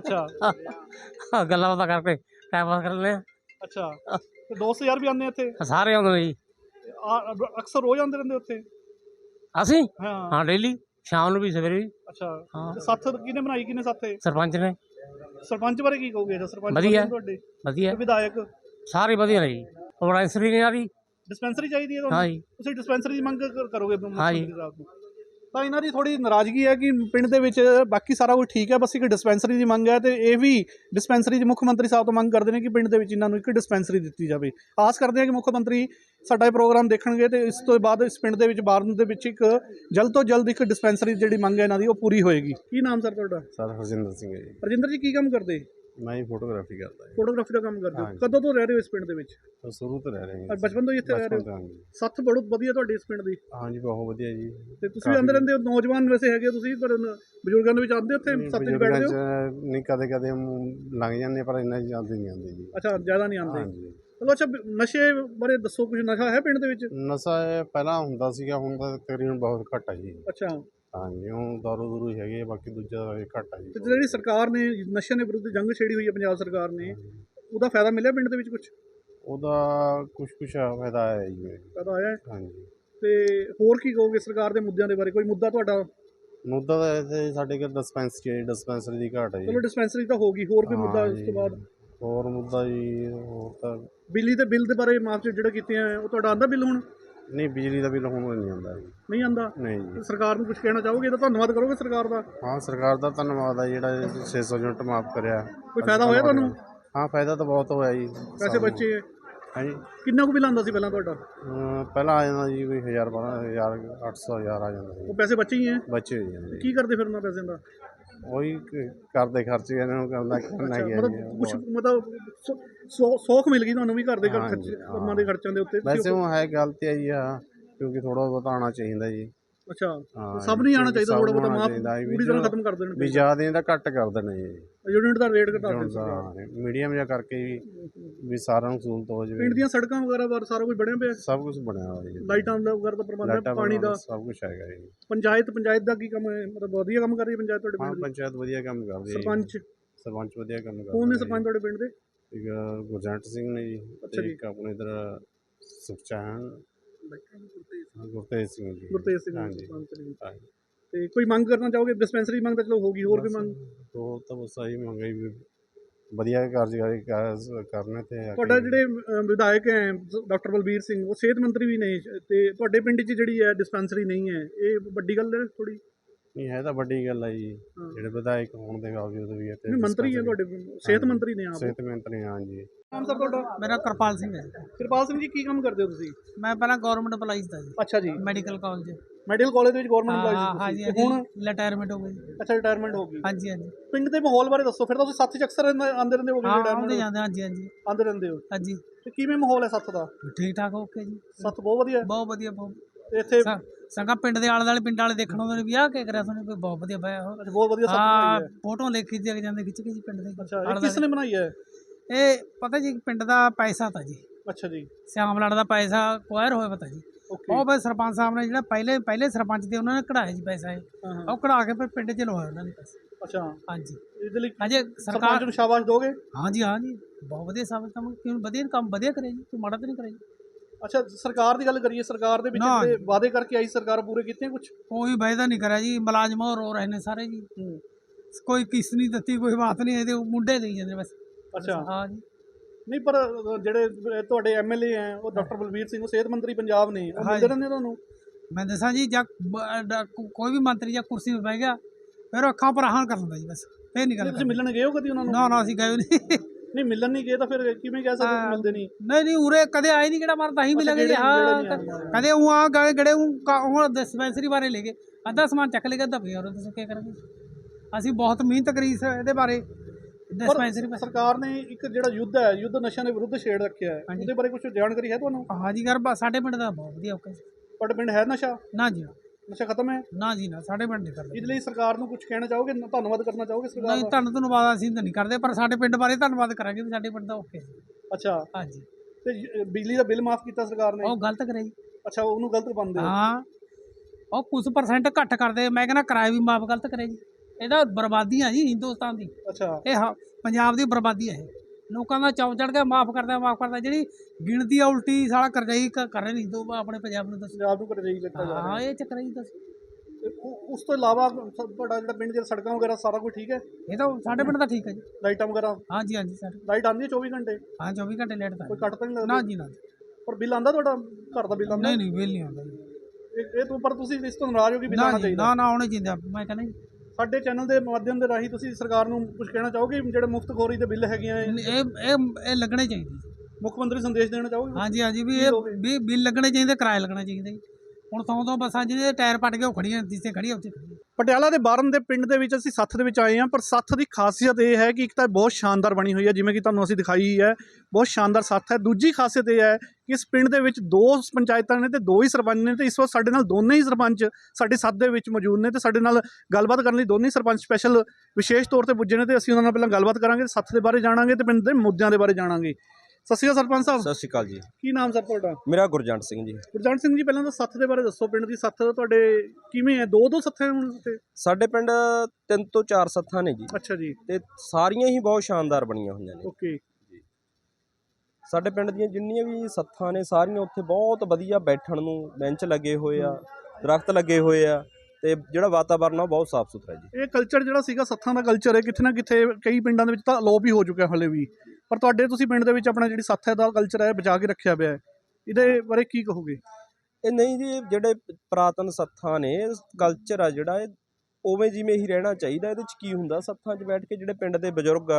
S1: ਅੱਛਾ
S3: ਗੱਲਾਂ ਬਾਤਾਂ ਕਰਕੇ ਟਾਈਮ ਪਾਸ ਕਰ ਲੈਂਦੇ
S1: ਅੱਛਾ ਤੇ ਦੋਸਤ ਯਾਰ ਵੀ ਆਉਂਦੇ ਇੱਥੇ?
S3: ਆ। ਸਾਰੇ ਆਉਂਦੇ ਨੇ ਜੀ।
S1: ਆ- ਅਕਸਰ ਰੋਜ਼ ਆਉਂਦੇ ਰਹਿੰਦੇ ਉੱਥੇ?
S3: ਅਸੀਂ
S1: ਹਾਂ
S3: ਹਾਂ ਡੇਲੀ, ਸ਼ਾਮ ਨੂੰ ਵੀ ਸਵੇਰੇ ਵੀ।
S1: ਅੱਛਾ
S3: ਹਾਂ।
S1: ਤੇ ਸੱਥ ਕਿਹਨੇ ਬਣਾਈ, ਕਿਹਨੇ ਸਾਥੇ?
S3: ਸਰਪੰਚ ਨੇ।
S1: ਸਰਪੰਚ ਬਾਰੇ ਕੀ ਕਹੋਗੇ? ਅੱਛਾ ਸਰਪੰਚ
S3: ਵਧੀਆ।
S1: ਵਧੀਆ ਤੁਹਾਡੇ?
S3: ਵਧੀਆ,
S1: ਤੇ ਵਿਧਾਇਕ?
S3: ਸਾਰੇ ਵਧੀਆ ਨੇ ਜੀ। ਡਿਸਪੈਂਸਰੀ ਨਹੀਂ ਆ ਰਹੀ।
S1: ਡਿਸਪੈਂਸਰੀ ਚਾਹੀਦੀ ਹੈ
S3: ਹਾਂ
S1: ਤੁਹਾਨੂੰ?
S3: ਜੀ।
S1: ਤੁਸੀਂ ਡਿਸਪੈਂਸਰੀ ਦੀ ਮੰਗ ਕਰ- ਕਰੋਗੇ ਮੁੱਖ
S3: ਹਾਂ ਜੀ।
S1: ਮੰਤਰੀ ਸਾਹਿਬ ਤੋਂ? ਤਾਂ ਇਹਨਾਂ ਦੀ ਥੋੜੀ ਨਾਰਾਜ਼ਗੀ ਹੈ ਕਿ ਪਿੰਡ ਦੇ ਵਿੱਚ ਬਾਕੀ ਸਾਰਾ ਕੁਝ ਠੀਕ ਹੈ, ਬਸ ਇੱਕ ਡਿਸਪੈਂਸਰੀ ਦੀ ਮੰਗ ਹੈ। ਤੇ ਇਹ ਵੀ ਡਿਸਪੈਂਸਰੀ ਦੀ ਮੁੱਖ ਮੰਤਰੀ ਸਾਹਿਬ ਤੋਂ ਮੰਗ ਕਰਦੇ ਨੇ ਕਿ ਪਿੰਡ ਦੇ ਵਿੱਚ ਇਹਨਾਂ ਨੂੰ ਇੱਕ ਡਿਸਪੈਂਸਰੀ ਦਿੱਤੀ ਜਾਵੇ। ਆਸ ਕਰਦੇ ਹਾਂ ਕਿ ਮੁੱਖ ਮੰਤਰੀ ਸਾਡਾ ਇਹ ਪ੍ਰੋਗਰਾਮ ਦੇਖਣਗੇ ਤੇ ਇਸ ਤੋਂ ਬਾਅਦ ਇਸ ਪਿੰਡ ਦੇ ਵਿੱਚ ਬਾਰਨ ਦੇ ਵਿੱਚ ਇੱਕ ਜਲਦ ਤੋਂ ਜਲਦ ਇੱਕ ਡਿਸਪੈਂਸਰੀ ਜਿਹੜੀ ਮੰਗ ਹੈ ਇਹਨਾਂ ਦੀ ਉਹ ਪੂਰੀ ਹੋਏਗੀ। ਕੀ ਨਾਮ ਸਰ ਤੁਹਾਡਾ?
S6: ਸਰ ਹਰਜਿੰਦਰ ਸਿੰਘ ਹੈ ਜੀ।
S1: ਰਜਿੰਦਰ ਜੀ ਕੀ ਕੰਮ ਕਰਦੇ?
S6: ਮੈਂ ਹੀ ਫੋਟੋਗ੍ਰਾਫੀ ਕਰਦਾ ਜੀ।
S1: ਫੋਟੋਗ੍ਰਾਫੀ ਦਾ ਕੰਮ ਕਰਦੇ ਹੋ?
S6: ਹਾਂਜੀ।
S1: ਕਦੋਂ ਤੋਂ ਰਹਿ ਰਹੇ ਹੋ ਇਸ ਪਿੰਡ ਦੇ ਵਿੱਚ?
S6: ਤਾਂ ਸ਼ੁਰੂ ਤੋਂ ਰਹਿ ਰਹੇ ਹਾਂ
S1: ਔਰ ਬਚਪਨ ਤੋਂ ਹੀ ਇੱਥੇ ਰਹਿ ਰਹੇ
S6: ਬਚਪਨ ਤੋਂ,
S1: ਹੋ?
S6: ਹਾਂਜੀ
S1: ਸੱਥ ਬਹੁਤ ਵਧੀਆ ਤੁਹਾਡੀ ਇਸ ਪਿੰਡ ਦੀ।
S6: ਹਾਂਜੀ ਬਹੁਤ ਵਧੀਆ ਜੀ।
S1: ਤੇ ਤੁਸੀਂ ਆਉਂਦੇ ਰਹਿੰਦੇ ਹੋ, ਨੌਜਵਾਨ ਵੈਸੇ ਹੈਗੇ ਹੋ ਤੁਸੀਂ, ਪਰ ਨ- ਬਜ਼ੁਰਗਾਂ ਦੇ ਵਿੱਚ ਆਉਂਦੇ ਉੱਥੇ ਸੱਥ ਵਿੱਚ
S6: ਬਜ਼ੁਰਗਾਂ
S1: ਬੈਠਦੇ ਹੋ?
S6: ਚ ਨਹੀਂ, ਕਦੇ ਕਦੇ ਲੰਘ ਜਾਂਦੇ ਪਰ ਇੰਨਾ ਜਾਂਦੇ ਨਹੀਂ ਆਉਂਦੇ ਜੀ।
S1: ਅੱਛਾ ਜ਼ਿਆਦਾ ਨਹੀਂ ਆਉਂਦੇ।
S6: ਹਾਂਜੀ।
S1: ਚਲੋ ਅੱਛਾ ਬ- ਨਸ਼ੇ ਬਾਰੇ ਦੱਸੋ, ਕੁਝ ਨਸ਼ਾ ਹੈ ਪਿੰਡ ਦੇ ਵਿੱਚ?
S6: ਨਸ਼ਾ ਇਹ ਪਹਿਲਾਂ ਹੁੰਦਾ ਸੀਗਾ, ਹੁਣ ਤਾਂ ਤਕਰੀਬਨ ਬਹੁਤ ਘੱਟ ਆ ਜੀ।
S1: ਅੱਛਾ
S6: ਹਾਂਜੀ ਹੁਣ ਦਾਰੂ ਦੂਰੂ ਹੀ ਹੈਗੇ, ਬਾਕੀ ਦੂਜਾ ਇਹ ਘੱਟ ਆ ਜੀ।
S1: ਤੇ ਜਿਹੜੀ ਸਰਕਾਰ ਨੇ ਨਸ਼ਿਆਂ ਦੇ ਵਿਰੁੱਧ ਜੰਗ ਛੇੜੀ ਹੋਈ ਹੈ ਪੰਜਾਬ ਸਰਕਾਰ ਨੇ, ਉਹਦਾ ਫਾਇਦਾ ਮਿਲਿਆ ਪਿੰਡ ਦੇ ਵਿੱਚ? ਕੁਝ
S6: ਉਹਦਾ ਕੁਛ ਕੁਛ ਫਾਇਦਾ ਹੈ ਜੀ।
S1: ਫਾਇਦਾ ਆਇਆ ਹੈ?
S6: ਹਾਂਜੀ।
S1: ਤੇ ਹੋਰ ਕੀ ਕਹੋਗੇ ਸਰਕਾਰ ਦੇ ਮੁੱਦਿਆਂ ਦੇ ਬਾਰੇ? ਕੋਈ ਮੁੱਦਾ ਤੁਹਾਡਾ?
S6: ਮੁੱਦਾ ਤਾਂ ਇੱਥੇ ਸਾਡੇ ਕੋਲ ਡਿਸਪੈਂਸਰੀ ਹੈ, ਡਿਸਪੈਂਸਰੀ ਦੀ ਘਾਟ ਹੈ
S1: ਚਲੋ
S6: ਜੀ।
S1: ਡਿਸਪੈਂਸਰੀ ਤਾਂ ਹੋਗੀ, ਹੋਰ ਕੋਈ ਮੁੱਦਾ ਉਸ ਤੋਂ ਬਾਅਦ?
S6: ਹੋਰ ਮੁੱਦਾ ਜੀ ਹੋਰ ਤਾਂ
S1: ਬਿਜਲੀ ਦੇ ਬਿੱਲ ਦੇ ਬਾਰੇ ਮਾਫ ਜਿਹੜੇ ਕੀਤੇ ਆ ਉਹ ਤੁਹਾਡਾ ਆਂਦਾ ਬਿੱਲ ਹੁਣ?
S6: ਨਹੀਂ, ਬਿਜਲੀ ਦਾ ਬਿੱਲ ਹੁਣ ਨਹੀਂ ਆਉਂਦਾ ਜੀ।
S1: ਨਹੀਂ ਆਂਦਾ?
S6: ਨਹੀਂ ਜੀ।
S1: ਸਰਕਾਰ ਨੂੰ ਕੁਝ ਕਹਿਣਾ ਚਾਹੋਗੇ? ਤਾਂ ਧੰਨਵਾਦ ਕਰੋਗੇ ਸਰਕਾਰ ਦਾ?
S6: ਹਾਂ ਸਰਕਾਰ ਦਾ ਧੰਨਵਾਦ ਆ ਜਿਹੜਾ ਛੇ ਸੌ ਯੂਨਿਟ ਮਾਫ ਕਰਿਆ।
S1: ਕੋਈ ਫਾਇਦਾ ਹੋਇਆ ਤੁਹਾਨੂੰ?
S6: ਹਾਂ ਫਾਇਦਾ ਤਾਂ ਬਹੁਤ ਹੋਇਆ ਜੀ
S1: ਪੈਸੇ
S6: ਸਾਨੂੰ।
S1: ਬੱਚੇ
S6: ਹਾਂਜੀ
S1: ਕਿੰਨਾ ਕੁ ਬਿੱਲ ਆਉਂਦਾ ਸੀ ਪਹਿਲਾਂ ਤੁਹਾਡਾ?
S6: ਅਮ ਪਹਿਲਾਂ ਆ ਜਾਂਦਾ ਜੀ ਕੋਈ ਹਜ਼ਾਰ ਬਾਰਾਂ ਹਜ਼ਾਰ ਅੱਠ ਸੌ ਹਜ਼ਾਰ ਆ ਜਾਂਦਾ
S1: ਉਹ
S6: ਜੀ
S1: ਪੈਸੇ ਬਚੇ ਹੀ ਹੈ?
S6: ਬੱਚੇ ਹੋ ਜਾਂਦੇ
S1: ਕੀ ਕਰਦੇ ਫਿਰ ਉਹਨਾਂ ਪੈਸਿਆਂ ਦਾ?
S6: ਉਹੀ ਕ- ਕਰਦੇ ਖਰਚੇ ਇਹਨਾਂ ਨੂੰ ਕਰਨਾ ਕਰਨਾ
S1: ਅੱਛਾ,
S6: ਕੀ ਹੈ
S1: ਮਤਲਬ
S6: ਜੀ
S1: ਕੁਛ
S6: ਬਹੁਤ।
S1: ਮਤਲਬ ਸੌ- ਸੌ- ਸੌਖ ਮਿਲ ਗਈ ਤੁਹਾਨੂੰ ਵੀ ਘਰ ਦੇ ਖਰਚ
S6: ਹਾਂਜੀ,
S1: ਕੰਮਾਂ ਦੇ ਖਰਚਿਆਂ ਦੇ ਉੱਤੇ ਤੁਸੀਂ
S6: ਵੈਸੇ
S1: ਉਹ-
S6: ਉਹ ਹੈ ਗੱਲ ਤੇ ਆਈ ਆ ਕਿਉਂਕਿ ਥੋੜਾ ਬਹੁਤ ਆਉਣਾ ਚਾਹੀਦਾ ਜੀ।
S1: ਅੱਛਾ
S6: ਹਾਂ,
S1: ਸਭ ਨੂੰ ਹੀ ਆਉਣਾ
S6: ਕਿਉਂਕਿ
S1: ਚਾਹੀਦਾ
S6: ਸਭ
S1: ਥੋੜਾ
S6: ਨੂੰ
S1: ਬਹੁਤਾ
S6: ਆਉਣਾ
S1: ਮਾਫ
S6: ਚਾਹੀਦਾ ਵੀ
S1: ਪੂਰੀ ਤਰ੍ਹਾਂ
S6: ਜੋ-
S1: ਖਤਮ ਕਰ ਦੇਣਾ
S6: ਵੀ ਜ਼ਿਆਦਾ ਤਾਂ ਘੱਟ ਕਰ ਦੇਣਾ ਜੀ
S1: ਯੂਨਿਟ ਦਾ ਰੇਟ ਘਟਾ
S6: ਜੁਣ
S1: ਦੇਣਾ।
S6: ਦਾ ਮੀਡੀਅਮ ਜਿਹਾ ਕਰਕੇ ਵੀ ਵੀ ਸਾਰਿਆਂ ਨੂੰ ਸਹੂਲਤ ਹੋ
S1: ਪਿੰਡ
S6: ਜਾਵੇ।
S1: ਦੀਆਂ ਸੜਕਾਂ ਵਗੈਰਾ ਬਾਰ ਸਾਰਾ ਕੁਝ ਬਣਿਆ ਪਿਆ?
S6: ਸਭ ਕੁਝ ਬਣਿਆ ਹੋਇਆ ਜੀ
S1: ਲਾਈਟਾਂ ਦਾ ਵਗੈਰਾ ਦਾ ਪ੍ਰਬੰਧ ਹੈ,
S6: ਲਾਈਟਾਂ
S1: ਪਾਣੀ ਦਾ?
S6: ਵਗੈਰਾ ਸਭ ਕੁਝ ਹੈਗਾ ਜੀ।
S1: ਪੰਚਾਇਤ ਪੰਚਾਇਤ ਦਾ ਕੀ ਕੰਮ ਹੈ? ਮਤਲਬ ਵਧੀਆ ਕੰਮ ਕਰ ਰਹੀ ਹੈ ਪੰਚਾਇਤ ਤੁਹਾਡੇ
S6: ਹਾਂ
S1: ਪਿੰਡ ਦੀ?
S6: ਪੰਚਾਇਤ ਵਧੀਆ ਕੰਮ ਕਰਦੀ ਹੈ ਜੀ।
S1: ਸਰਪੰਚ
S6: ਸਰਪੰਚ ਵਧੀਆ ਕੰਮ ਕਰਦਾ
S1: ਕੌਣ ਨੇ
S6: ਜੀ।
S1: ਸਰਪੰਚ ਤੁਹਾਡੇ ਪਿੰਡ ਦੇ?
S6: ਇੱਕ ਗੁਰਜੰਟ ਸਿੰਘ ਨੇ ਜੀ
S1: ਅੱਛਾ
S6: ਤੇ
S1: ਜੀ।
S6: ਇੱਕ ਆਪਣੇ ਇਧਰ ਸੁਖਚੈਨ ਗੁਰਤੇਜ ਸਿੰਘ ਜੀ।
S1: ਗੁਰਤੇਜ ਸਿੰਘ
S6: ਹਾਂਜੀ
S1: ਸਰਪੰਚ ਨੇ।
S6: ਹਾਂਜੀ।
S1: ਤੇ ਕੋਈ ਮੰਗ ਕਰਨਾ ਚਾਹੋਗੇ? ਡਿਸਪੈਂਸਰੀ ਮੰਗ ਤਾਂ ਚਲੋ ਹੋ ਗਈ, ਹੋਰ ਕੋਈ
S6: ਬਸ
S1: ਮੰਗ?
S6: ਦੋ ਤਾਂ ਬਸ ਆਹੀ ਮੰਗਾਈ ਵੀ ਵਧੀਆ ਕਾਰਜਕਾਰੀ ਕਰ- ਕਰਨੇ ਤੇ ਆ
S1: ਤੁਹਾਡਾ
S6: ਕਿ-
S1: ਜਿਹੜੇ ਅ, ਵਿਧਾਇਕ ਹੈ ਡਾਕਟਰ ਬਲਬੀਰ ਸਿੰਘ, ਉਹ ਸਿਹਤ ਮੰਤਰੀ ਵੀ ਨੇ ਤੇ ਤੁਹਾਡੇ ਪਿੰਡ 'ਚ ਜਿਹੜੀ ਹੈ ਡਿਸਪੈਂਸਰੀ ਨਹੀਂ ਹੈ, ਇਹ ਵੱਡੀ ਗੱਲ ਹੈ ਥੋੜੀ?
S6: ਨਹੀਂ ਹੈ ਤਾਂ ਵੱਡੀ ਗੱਲ ਹੈ ਜੀ
S1: ਹਾਂ।
S6: ਜਿਹੜੇ ਵਿਧਾਇਕ ਹੋਣ ਦੇ ਬਾਵਜੂਦ ਵੀ ਇੱਥੇ
S1: ਨਹੀਂ ਮੰਤਰੀ ਹੈ ਤੁਹਾਡੇ ਸਿਹਤ ਮੰਤਰੀ ਨੇ ਆਪ।
S6: ਸਿਹਤ ਮੰਤਰੀ ਹਾਂ ਜੀ।
S1: ਨਾਮ ਸਰ ਤੁਹਾਡਾ?
S3: ਮੇਰਾ ਕਿਰਪਾਲ ਸਿੰਘ ਹੈ।
S1: ਕਿਰਪਾਲ ਸਿੰਘ ਜੀ ਕੀ ਕੰਮ ਕਰਦੇ ਹੋ ਤੁਸੀਂ?
S3: ਮੈਂ ਪਹਿਲਾਂ ਗਵਰਨਮੈਂਟ ਅਪਲਾਈਜ਼ ਦਾ ਜੀ,
S1: ਅੱਛਾ ਜੀ,
S3: ਮੈਡੀਕਲ ਕਾਲਜ।
S1: ਮੈਡੀਕਲ ਕਾਲਜ ਵਿੱਚ ਗਵਰਨਮੈਂਟ
S3: ਹਾਂ
S1: ਇੰਪਲਾਈਜ਼
S3: ਹਾਂਜੀ
S1: ਤੇ ਹੁਣ
S3: ਹਾਂਜੀ ਰਿਟਾਇਰਮੈਂਟ ਹੋ ਗਈ ਜੀ।
S1: ਅੱਛਾ ਰਿਟਾਇਰਮੈਂਟ ਹੋ ਗਈ।
S3: ਹਾਂਜੀ ਹਾਂਜੀ
S1: ਪਿੰਡ ਦੇ ਮਾਹੌਲ ਬਾਰੇ ਦੱਸੋ ਫਿਰ। ਤਾਂ ਤੁਸੀਂ ਸੱਥ 'ਚ ਅਕਸਰ ਆਉਂਦੇ ਰਹਿੰਦੇ ਹੋਗੇ?
S3: ਹਾਂ ਆਉਂਦੇ
S1: ਰਿਟਾਇਰਮੈਂਟ
S3: ਜਾਂਦੇ ਹਾਂਜੀ ਹਾਂਜੀ
S1: ਆਉਂਦੇ ਰਹਿੰਦੇ ਹੋ
S3: ਹਾਂਜੀ
S1: ਤੇ ਕਿਵੇਂ ਮਾਹੌਲ ਹੈ ਸੱਥ ਦਾ?
S3: ਠੀਕ ਠਾਕ ਓਕੇ ਜੀ।
S1: ਸੱਥ ਬਹੁਤ ਵਧੀਆ ਹੈ।
S3: ਬਹੁਤ ਵਧੀਆ ਬਹੁਤ
S1: ਤੇ ਇੱਥੇ
S3: ਸਾ- ਸੰਗਾ ਪਿੰਡ ਦੇ ਆਲੇ ਦੁਆਲੇ ਪਿੰਡ ਵਾਲੇ ਦੇਖਣ ਆਉਂਦੇ ਨੇ ਵੀ ਆਹ ਕੀ ਕਰਿਆ ਤੁਹਾਨੂੰ, ਕੋਈ ਬਹੁਤ ਵਧੀਆ ਬਾਇਆ ਉਹ
S1: ਬਹੁਤ ਵਧੀਆ ਸੱਥ
S3: ਹਾਂ
S1: ਬਣਾਈ ਹੈ।
S3: ਫੋਟੋ ਲੈ ਕੇ ਦੇ ਜਾਂਦੇ ਖਿੱਚ ਕੇ ਜੀ ਪਿੰਡ ਦੇ
S1: ਅੱਛਾ
S3: ਆਲੇ
S1: ਇਹ ਕਿਸ ਨੇ ਬਣਾਈ ਹੈ?
S3: ਦੁਆਲੇ। ਇਹ ਪਤਾ ਜੀ ਪਿੰਡ ਦਾ ਪੈਸਾ ਤਾਂ ਜੀ
S1: ਅੱਛਾ ਜੀ
S3: ਸਿਆਮ ਲਾੜ ਦਾ ਪੈਸਾ ਕੁਆਇਰ ਹੋਇਆ ਪਤਾ ਜੀ।
S1: ਓਕੇ
S3: ਉਹ ਬਈ ਸਰਪੰਚ ਸਾਹਿਬ ਨੇ ਜਿਹੜਾ ਪਹਿਲੇ ਪਹਿਲੇ ਸਰਪੰਚ ਤੇ ਉਹਨਾਂ ਨੇ ਕਢਾਇਆ ਜੀ ਪੈਸਾ ਇਹ,
S1: ਹਾਂ ਹਾਂ
S3: ਉਹ ਕਢਾ ਕੇ ਫਿਰ ਪਿੰਡ 'ਚ ਲਵਾਇਆ ਉਹਨਾਂ ਨੇ ਪੈਸੇ।
S1: ਅੱਛਾ
S3: ਹਾਂਜੀ
S1: ਇਹਦੇ ਲਈ
S3: ਅਜੇ
S1: ਸਰਪੰਚ
S3: ਸਰਕਾਰ
S1: ਨੂੰ ਸ਼ਾਬਾਸ਼ ਦੋਗੇ?
S3: ਹਾਂਜੀ ਹਾਂਜੀ ਬਹੁਤ ਵਧੀਆ ਸਾਬਤ ਕੰਮ ਕਿਉਂ ਵਧੀਆ ਕੰਮ ਵਧੀਆ ਕਰਿਆ ਜੀ, ਕੋਈ ਮਾੜਾ ਤਾਂ ਨਹੀਂ ਕਰਿਆ ਜੀ।
S1: ਅੱਛਾ ਸਰਕਾਰ ਦੀ ਗੱਲ ਕਰੀਏ, ਸਰਕਾਰ ਦੇ ਵਿੱਚ
S3: ਨਾ।
S1: ਜਿਹੜੇ ਵਾਅਦੇ ਕਰਕੇ ਆਈ ਸਰਕਾਰ ਪੂਰੇ ਕੀਤੇ ਕੁਝ?
S3: ਕੋਈ ਵਾਅਦਾ ਨਹੀਂ ਕਰਿਆ ਜੀ, ਮੁਲਾਜ਼ਮ ਹੋਰ ਰੋ ਰਹੇ ਨੇ ਸਾਰੇ ਜੀ। ਕੋਈ ਕਿਸ ਨਹੀਂ ਦਿੱਤੀ, ਕੋਈ ਬਾਤ ਨਹੀਂ, ਇਹਦੇ ਮੁੰਡੇ ਦੇਈ ਜਾਂਦੇ ਬਸ।
S1: ਅੱਛਾ
S3: ਹਾਂ ਜੀ
S1: ਨਹੀਂ ਪਰ ਜਿਹੜੇ ਤੁਹਾਡੇ ਐਮਐਲਏ ਹੈ ਉਹ ਡਾਕਟਰ ਬਲਬੀਰ ਸਿੰਘ, ਉਹ ਸਿਹਤ ਮੰਤਰੀ ਪੰਜਾਬ ਨੇ, ਉਹ
S3: ਹਾਂ
S1: ਮਿਲਦੇ
S3: ਜੀ।
S1: ਰਹਿੰਦੇ ਤੁਹਾਨੂੰ?
S3: ਮੈਂ ਦੱਸਾਂ ਜੀ ਜਦ ਬ- ਡ- ਕੋਈ ਵੀ ਮੰਤਰੀ ਜਾਂ ਕੁਰਸੀ 'ਤੇ ਬਹਿ ਗਿਆ ਫਿਰ ਉਹ ਅੱਖਾਂ ਪਰ ਆਹਾਂ ਕਰ ਲੈਂਦਾ ਜੀ ਬਸ, ਫੇਰ ਨਹੀਂ ਗੱਲ
S1: ਨਹੀਂ, ਤੁਸੀਂ
S3: ਕਰਦਾ।
S1: ਮਿਲਣ ਗਏ ਹੋ ਕਦੀ ਉਹਨਾਂ ਨੂੰ?
S3: ਨਾ ਨਾ ਅਸੀਂ ਗਏ ਨਹੀਂ
S1: ਨਹੀਂ ਮਿਲਣ ਨਹੀਂ ਗਏ ਤਾਂ ਫਿਰ ਕਿਵੇਂ ਕਹਿ ਸਕਦੇ
S3: ਹਾਂ।
S1: ਮਿਲਦੇ ਨਹੀਂ?
S3: ਨਹੀਂ ਨਹੀਂ ਉਰੇ ਕਦੇ ਆਏ ਨਹੀਂ, ਕਿਹੜਾ ਮਾਰਦਾ ਹੀ ਮਿਲਾਂਗੇ ਜੀ।
S1: ਗੇੜੇ-
S3: ਹਾਂ
S1: ਗੇੜੇ ਨਹੀਂ ਆਏ।
S3: ਕਦੇ ਉਹ ਆ ਗਏ ਗੜੇ ਉਹ ਡਿਸਪੈਂਸਰੀ ਬਾਰੇ ਲੈ ਗਏ, ਅੱਧਾ ਸਮਾਨ ਚੱਕ ਲੈ ਕੇ ਅੱਧਾ ਪਿਆ, ਦੱਸੋ ਕੀ ਕਰਾਂਗੇ। ਅਸੀਂ ਬਹੁਤ ਮਿਹਨਤ ਕਰੀ ਇਸ ਇਹਦੇ ਬਾਰੇ ਡਿਸਪੈਂਸਰੀ
S1: ਪਰ ਸਰਕਾਰ ਨੇ ਇੱਕ ਜਿਹੜਾ ਯੁੱਧ ਹੈ, ਯੁੱਧ ਨਸ਼ਿਆਂ ਦੇ ਵਿਰੁੱਧ ਛੇੜ ਰੱਖਿਆ ਹੈ,
S3: ਹਾਂਜੀ।
S1: ਉਹਦੇ ਬਾਰੇ ਕੁਝ ਜਾਣਕਾਰੀ ਹੈ ਤੁਹਾਨੂੰ?
S3: ਹਾਂਜੀ ਕਰ ਬਾ ਸਾਡੇ ਪਿੰਡ ਦਾ ਬਹੁਤ ਵਧੀਆ ਓਕੇ।
S1: ਤੁਹਾਡੇ ਪਿੰਡ ਹੈ ਨਸ਼ਾ?
S3: ਨਾ ਜੀ ਨਾ,
S1: ਨਸ਼ਾ ਖਤਮ ਹੈ?
S3: ਨਾ ਜੀ ਨਾ ਸਾਡੇ ਪਿੰਡ ਨਹੀਂ ਕਰਦੇ।
S1: ਇਹਦੇ ਲਈ ਸਰਕਾਰ ਨੂੰ ਕੁਝ ਕਹਿਣਾ ਚਾਹੋਗੇ? ਧੰਨਵਾਦ ਕਰਨਾ ਚਾਹੋਗੇ ਸਰਕਾਰ
S3: ਨਹੀਂ
S1: ਦਾ?
S3: ਤੁਹਾਨੂੰ ਧੰਨਵਾਦ ਅਸੀਂ ਤਾਂ ਨਹੀਂ ਕਰਦੇ, ਪਰ ਸਾਡੇ ਪਿੰਡ ਬਾਰੇ ਧੰਨਵਾਦ ਕਰਾਂਗੇ ਵੀ ਸਾਡੇ ਪਿੰਡ ਦਾ ਓਕੇ।
S1: ਅੱਛਾ
S3: ਹਾਂਜੀ
S1: ਤੇ ਜ- ਬਿਜਲੀ ਦਾ ਬਿੱਲ ਮਾਫ ਕੀਤਾ ਸਰਕਾਰ ਨੇ?
S3: ਉਹ ਗਲਤ ਕਰਿਆ ਜੀ।
S1: ਅੱਛਾ ਉਹਨੂੰ ਗਲਤ ਪਾਉਂਦੇ ਹੋ?
S3: ਹਾਂ ਉਹ ਕੁਝ ਪਰਸੈਂਟ ਘੱਟ ਕਰਦੇ, ਮੈਂ ਕਹਿੰਦਾ ਕਿਰਾਏ ਵੀ ਮਾਫ ਗਲਤ ਕਰਿਆ ਜੀ। ਇਹਦਾ ਬਰਬਾਦੀ ਆ ਜੀ ਹਿੰਦੁਸਤਾਨ ਦੀ,
S1: ਅੱਛਾ
S3: ਇਹ ਹ- ਪੰਜਾਬ ਦੀ ਬਰਬਾਦੀ ਹੈ ਇਹ। ਲੋਕਾਂ ਦਾ ਚੌ ਚੜ ਕੇ ਮਾਫ ਕਰਦਾ ਮਾਫ ਕਰਦਾ, ਜਿਹੜੀ ਗਿਣਤੀ ਆ ਉਲਟੀ ਸਾਲਾ ਕਰਜਾਈ ਕ- ਕਰ ਰਹੇ ਨਹੀਂ ਦੋ ਆਪਣੇ ਪੰਜਾਬ ਨੂੰ। ਦੱਸ
S1: ਪੰਜਾਬ ਨੂੰ ਕਰਜਾਈ ਕੀਤਾ ਜਾ ਰਿਹਾ
S3: ਹਾਂ
S1: ਹੈ।
S3: ਇਹ ਚੱਕਰ ਹੈ ਜੀ। ਦੱਸ
S1: ਤੇ ਉਹ- ਉਸ ਤੋਂ ਇਲਾਵਾ ਸ- ਤੁਹਾਡਾ ਜਿਹੜਾ ਪਿੰਡ ਦੀਆਂ ਸੜਕਾਂ ਵਗੈਰਾ ਸਾਰਾ ਕੁਝ ਠੀਕ ਹੈ?
S3: ਇਹ ਤਾਂ ਸਾਡੇ ਪਿੰਡ ਦਾ ਠੀਕ ਹੈ ਜੀ।
S1: ਲਾਈਟਾਂ ਵਗੈਰਾ?
S3: ਹਾਂਜੀ ਹਾਂਜੀ ਸਰ
S1: ਲਾਈਟ ਆਉਂਦੀ ਹੈ ਚੌਵੀ ਘੰਟੇ?
S3: ਹਾਂ ਚੌਵੀ ਘੰਟੇ ਲੇਟ ਤਾਂ
S1: ਕੋਈ ਕੱਟ ਤਾਂ ਨਹੀਂ ਲੱਗਦਾ?
S3: ਨਾ ਜੀ ਨਾ।
S1: ਪਰ ਬਿੱਲ ਆਉਂਦਾ ਤੁਹਾਡਾ ਘਰ ਦਾ ਬਿੱਲ ਆਉਂਦਾ?
S3: ਨਹੀਂ ਨਹੀਂ ਬਿੱਲ ਨਹੀਂ ਆਉਂਦਾ ਜੀ।
S1: ਇਹ ਇਹ ਤੋਂ ਪਰ ਤੁਸੀਂ ਇਸ ਤੋਂ ਨਾਰਾਜ਼ ਹੋ ਕਿ ਬਿੱਲ
S3: ਨਾ
S1: ਆਉਣਾ
S3: ਜੀ
S1: ਚਾਹੀਦਾ?
S3: ਨਾ ਨਾ ਆਉਣੇ ਚਾਹੀਦਾ, ਮੈਂ ਕਹਿੰਦਾ ਜੀ।
S1: ਸਾਡੇ ਚੈਨਲ ਦੇ ਮਾਧਿਅਮ ਦੇ ਰਾਹੀਂ ਤੁਸੀਂ ਸਰਕਾਰ ਨੂੰ ਕੁਝ ਕਹਿਣਾ ਚਾਹੋਗੇ? ਜਿਹੜੇ ਮੁਫਤਖੋਰੀ ਦੇ ਬਿੱਲ ਹੈਗੇ ਆ, ਇਹ
S3: ਇਹ ਇਹ ਇਹ ਲੱਗਣੇ ਚਾਹੀਦੇ।
S1: ਮੁੱਖ ਮੰਤਰੀ ਸੰਦੇਸ਼ ਦੇਣਾ ਚਾਹੋਗੇ?
S3: ਹਾਂਜੀ ਹਾਂਜੀ ਵੀ ਇਹ ਵੀ ਬਿੱਲ ਲੱਗਣੇ ਚਾਹੀਦੇ, ਕਿਰਾਇਆ ਲੱਗਣਾ ਚਾਹੀਦਾ ਜੀ। ਹੁਣ ਤੋਂ ਤੋਂ ਬੱਸਾਂ ਜਿਹਦੇ ਟਾਇਰ ਪਟ ਗਏ ਉਹ ਖੜੀਆਂ ਜਿੱਥੇ ਖੜੀਆਂ ਉੱਥੇ ਖੜੀਆਂ।
S1: ਪਟਿਆਲਾ ਦੇ ਬਾਰਨ ਦੇ ਪਿੰਡ ਦੇ ਵਿੱਚ ਅਸੀਂ ਸੱਥ ਦੇ ਵਿੱਚ ਆਏ ਹਾਂ, ਪਰ ਸੱਥ ਦੀ ਖਾਸੀਅਤ ਇਹ ਹੈ ਕਿ ਇੱਕ ਤਾਂ ਬਹੁਤ ਸ਼ਾਨਦਾਰ ਬਣੀ ਹੋਈ ਹੈ, ਜਿਵੇਂ ਕਿ ਤੁਹਾਨੂੰ ਅਸੀਂ ਦਿਖਾਈ ਹੈ, ਬਹੁਤ ਸ਼ਾਨਦਾਰ ਸੱਥ ਹੈ। ਦੂਜੀ ਖਾਸੀਅਤ ਇਹ ਹੈ ਕਿ ਇਸ ਪਿੰਡ ਦੇ ਵਿੱਚ ਦੋ ਪੰਚਾਇਤਾਂ ਨੇ ਤੇ ਦੋ ਹੀ ਸਰਪੰਚ ਨੇ, ਤੇ ਇਸ ਵਾਰ ਸਾਡੇ ਨਾਲ ਦੋਨੇ ਹੀ ਸਰਪੰਚ ਸਾਡੇ ਸੱਥ ਦੇ ਵਿੱਚ ਮੌਜੂਦ ਨੇ, ਤੇ ਸਾਡੇ ਨਾਲ ਗੱਲਬਾਤ ਕਰਨ ਲਈ ਦੋਨੇ ਹੀ ਸਰਪੰਚ ਸਪੈਸ਼ਲ ਵਿਸ਼ੇਸ਼ ਤੌਰ ਤੇ ਪੁੱਜੇ ਨੇ, ਤੇ ਅਸੀਂ ਉਹਨਾਂ ਨਾਲ ਪਹਿਲਾਂ ਗੱਲਬਾਤ ਕਰਾਂਗੇ, ਸੱਥ ਦੇ ਬਾਰੇ ਜਾਣਾਂਗੇ ਤੇ ਪਿੰਡ ਦੇ ਮੁੱਦਿਆਂ ਦੇ ਬਾਰੇ ਜਾਣਾਂਗੇ। ਸਤਿ ਸ਼੍ਰੀ ਅਕਾਲ ਸਰਪੰਚ ਸਾਹਿਬ।
S7: ਸਤਿ ਸ਼੍ਰੀ ਅਕਾਲ ਜੀ।
S1: ਕੀ ਨਾਮ ਸਰ ਤੁਹਾਡਾ?
S7: ਮੇਰਾ ਗੁਰਜੰਟ ਸਿੰਘ ਜੀ।
S1: ਗੁਰਜੰਟ ਸਿੰਘ ਜੀ, ਪਹਿਲਾਂ ਤਾਂ ਸੱਥ ਦੇ ਬਾਰੇ ਦੱਸੋ। ਪਿੰਡ ਦੀ ਸੱਥ ਤੁਹਾਡੇ ਕਿਵੇਂ ਹੈ? ਦੋ ਦੋ ਸੱਥਾਂ ਹੁਣ ਉੱਥੇ?
S7: ਸਾਡੇ ਪਿੰਡ ਤਿੰਨ ਤੋਂ ਚਾਰ ਸੱਥਾਂ ਨੇ ਜੀ,
S1: ਅੱਛਾ ਜੀ
S7: ਤੇ ਸਾਰੀਆਂ ਹੀ ਬਹੁਤ ਸ਼ਾਨਦਾਰ ਬਣੀਆਂ ਹੋਈਆਂ ਨੇ।
S1: ਓਕੇ।
S7: ਸਾਡੇ ਪਿੰਡ ਦੀਆਂ ਜਿੰਨੀਆਂ ਵੀ ਸੱਥਾਂ ਨੇ ਸਾਰੀਆਂ ਉੱਥੇ ਬਹੁਤ ਵਧੀਆ ਬੈਠਣ ਨੂੰ ਬੈਂਚ ਲੱਗੇ ਹੋਏ ਆ, ਦਰਖਤ ਲੱਗੇ ਹੋਏ ਆ, ਤੇ ਜਿਹੜਾ ਵਾਤਾਵਰਨ ਆ ਉਹ ਬਹੁਤ ਸਾਫ਼ ਸੁਥਰਾ ਜੀ।
S1: ਇਹ ਕਲਚਰ ਜਿਹੜਾ ਸੀਗਾ ਸੱਥਾਂ ਦਾ ਕਲਚਰ ਹੈ, ਕਿਤੇ ਨਾ ਕਿਤੇ ਕਈ ਪਿੰਡਾਂ ਦੇ ਵਿੱਚ ਤਾਂ ਅਲੋਪ ਹੀ ਹੋ ਚੁੱਕਿਆ ਹਲੇ ਵੀ, ਪਰ ਤੁਹਾਡੇ ਤੁਸੀਂ ਪਿੰਡ ਦੇ ਵਿੱਚ ਆਪਣਾ ਜਿਹੜੀ ਸੱਥ ਦਾ ਕਲਚਰ ਹੈ ਬਚਾ ਕੇ ਰੱਖਿਆ ਪਿਆ ਹੈ, ਇਹਦੇ ਬਾਰੇ ਕੀ ਕਹੋਗੇ?
S7: ਇਹ ਨਹੀਂ ਜੀ, ਇਹ ਜਿਹੜੇ ਪੁਰਾਤਨ ਸੱਥਾਂ ਨੇ, ਕਲਚਰ ਆ ਜਿਹੜਾ ਇਹ ਉਵੇਂ ਜਿਵੇਂ ਹੀ ਰਹਿਣਾ ਚਾਹੀਦਾ। ਇਹਦੇ 'ਚ ਕੀ ਹੁੰਦਾ, ਸੱਥਾਂ 'ਚ ਬੈਠ ਕੇ ਜਿਹੜੇ ਪਿੰਡ ਦੇ ਬਜ਼ੁਰਗ ਆ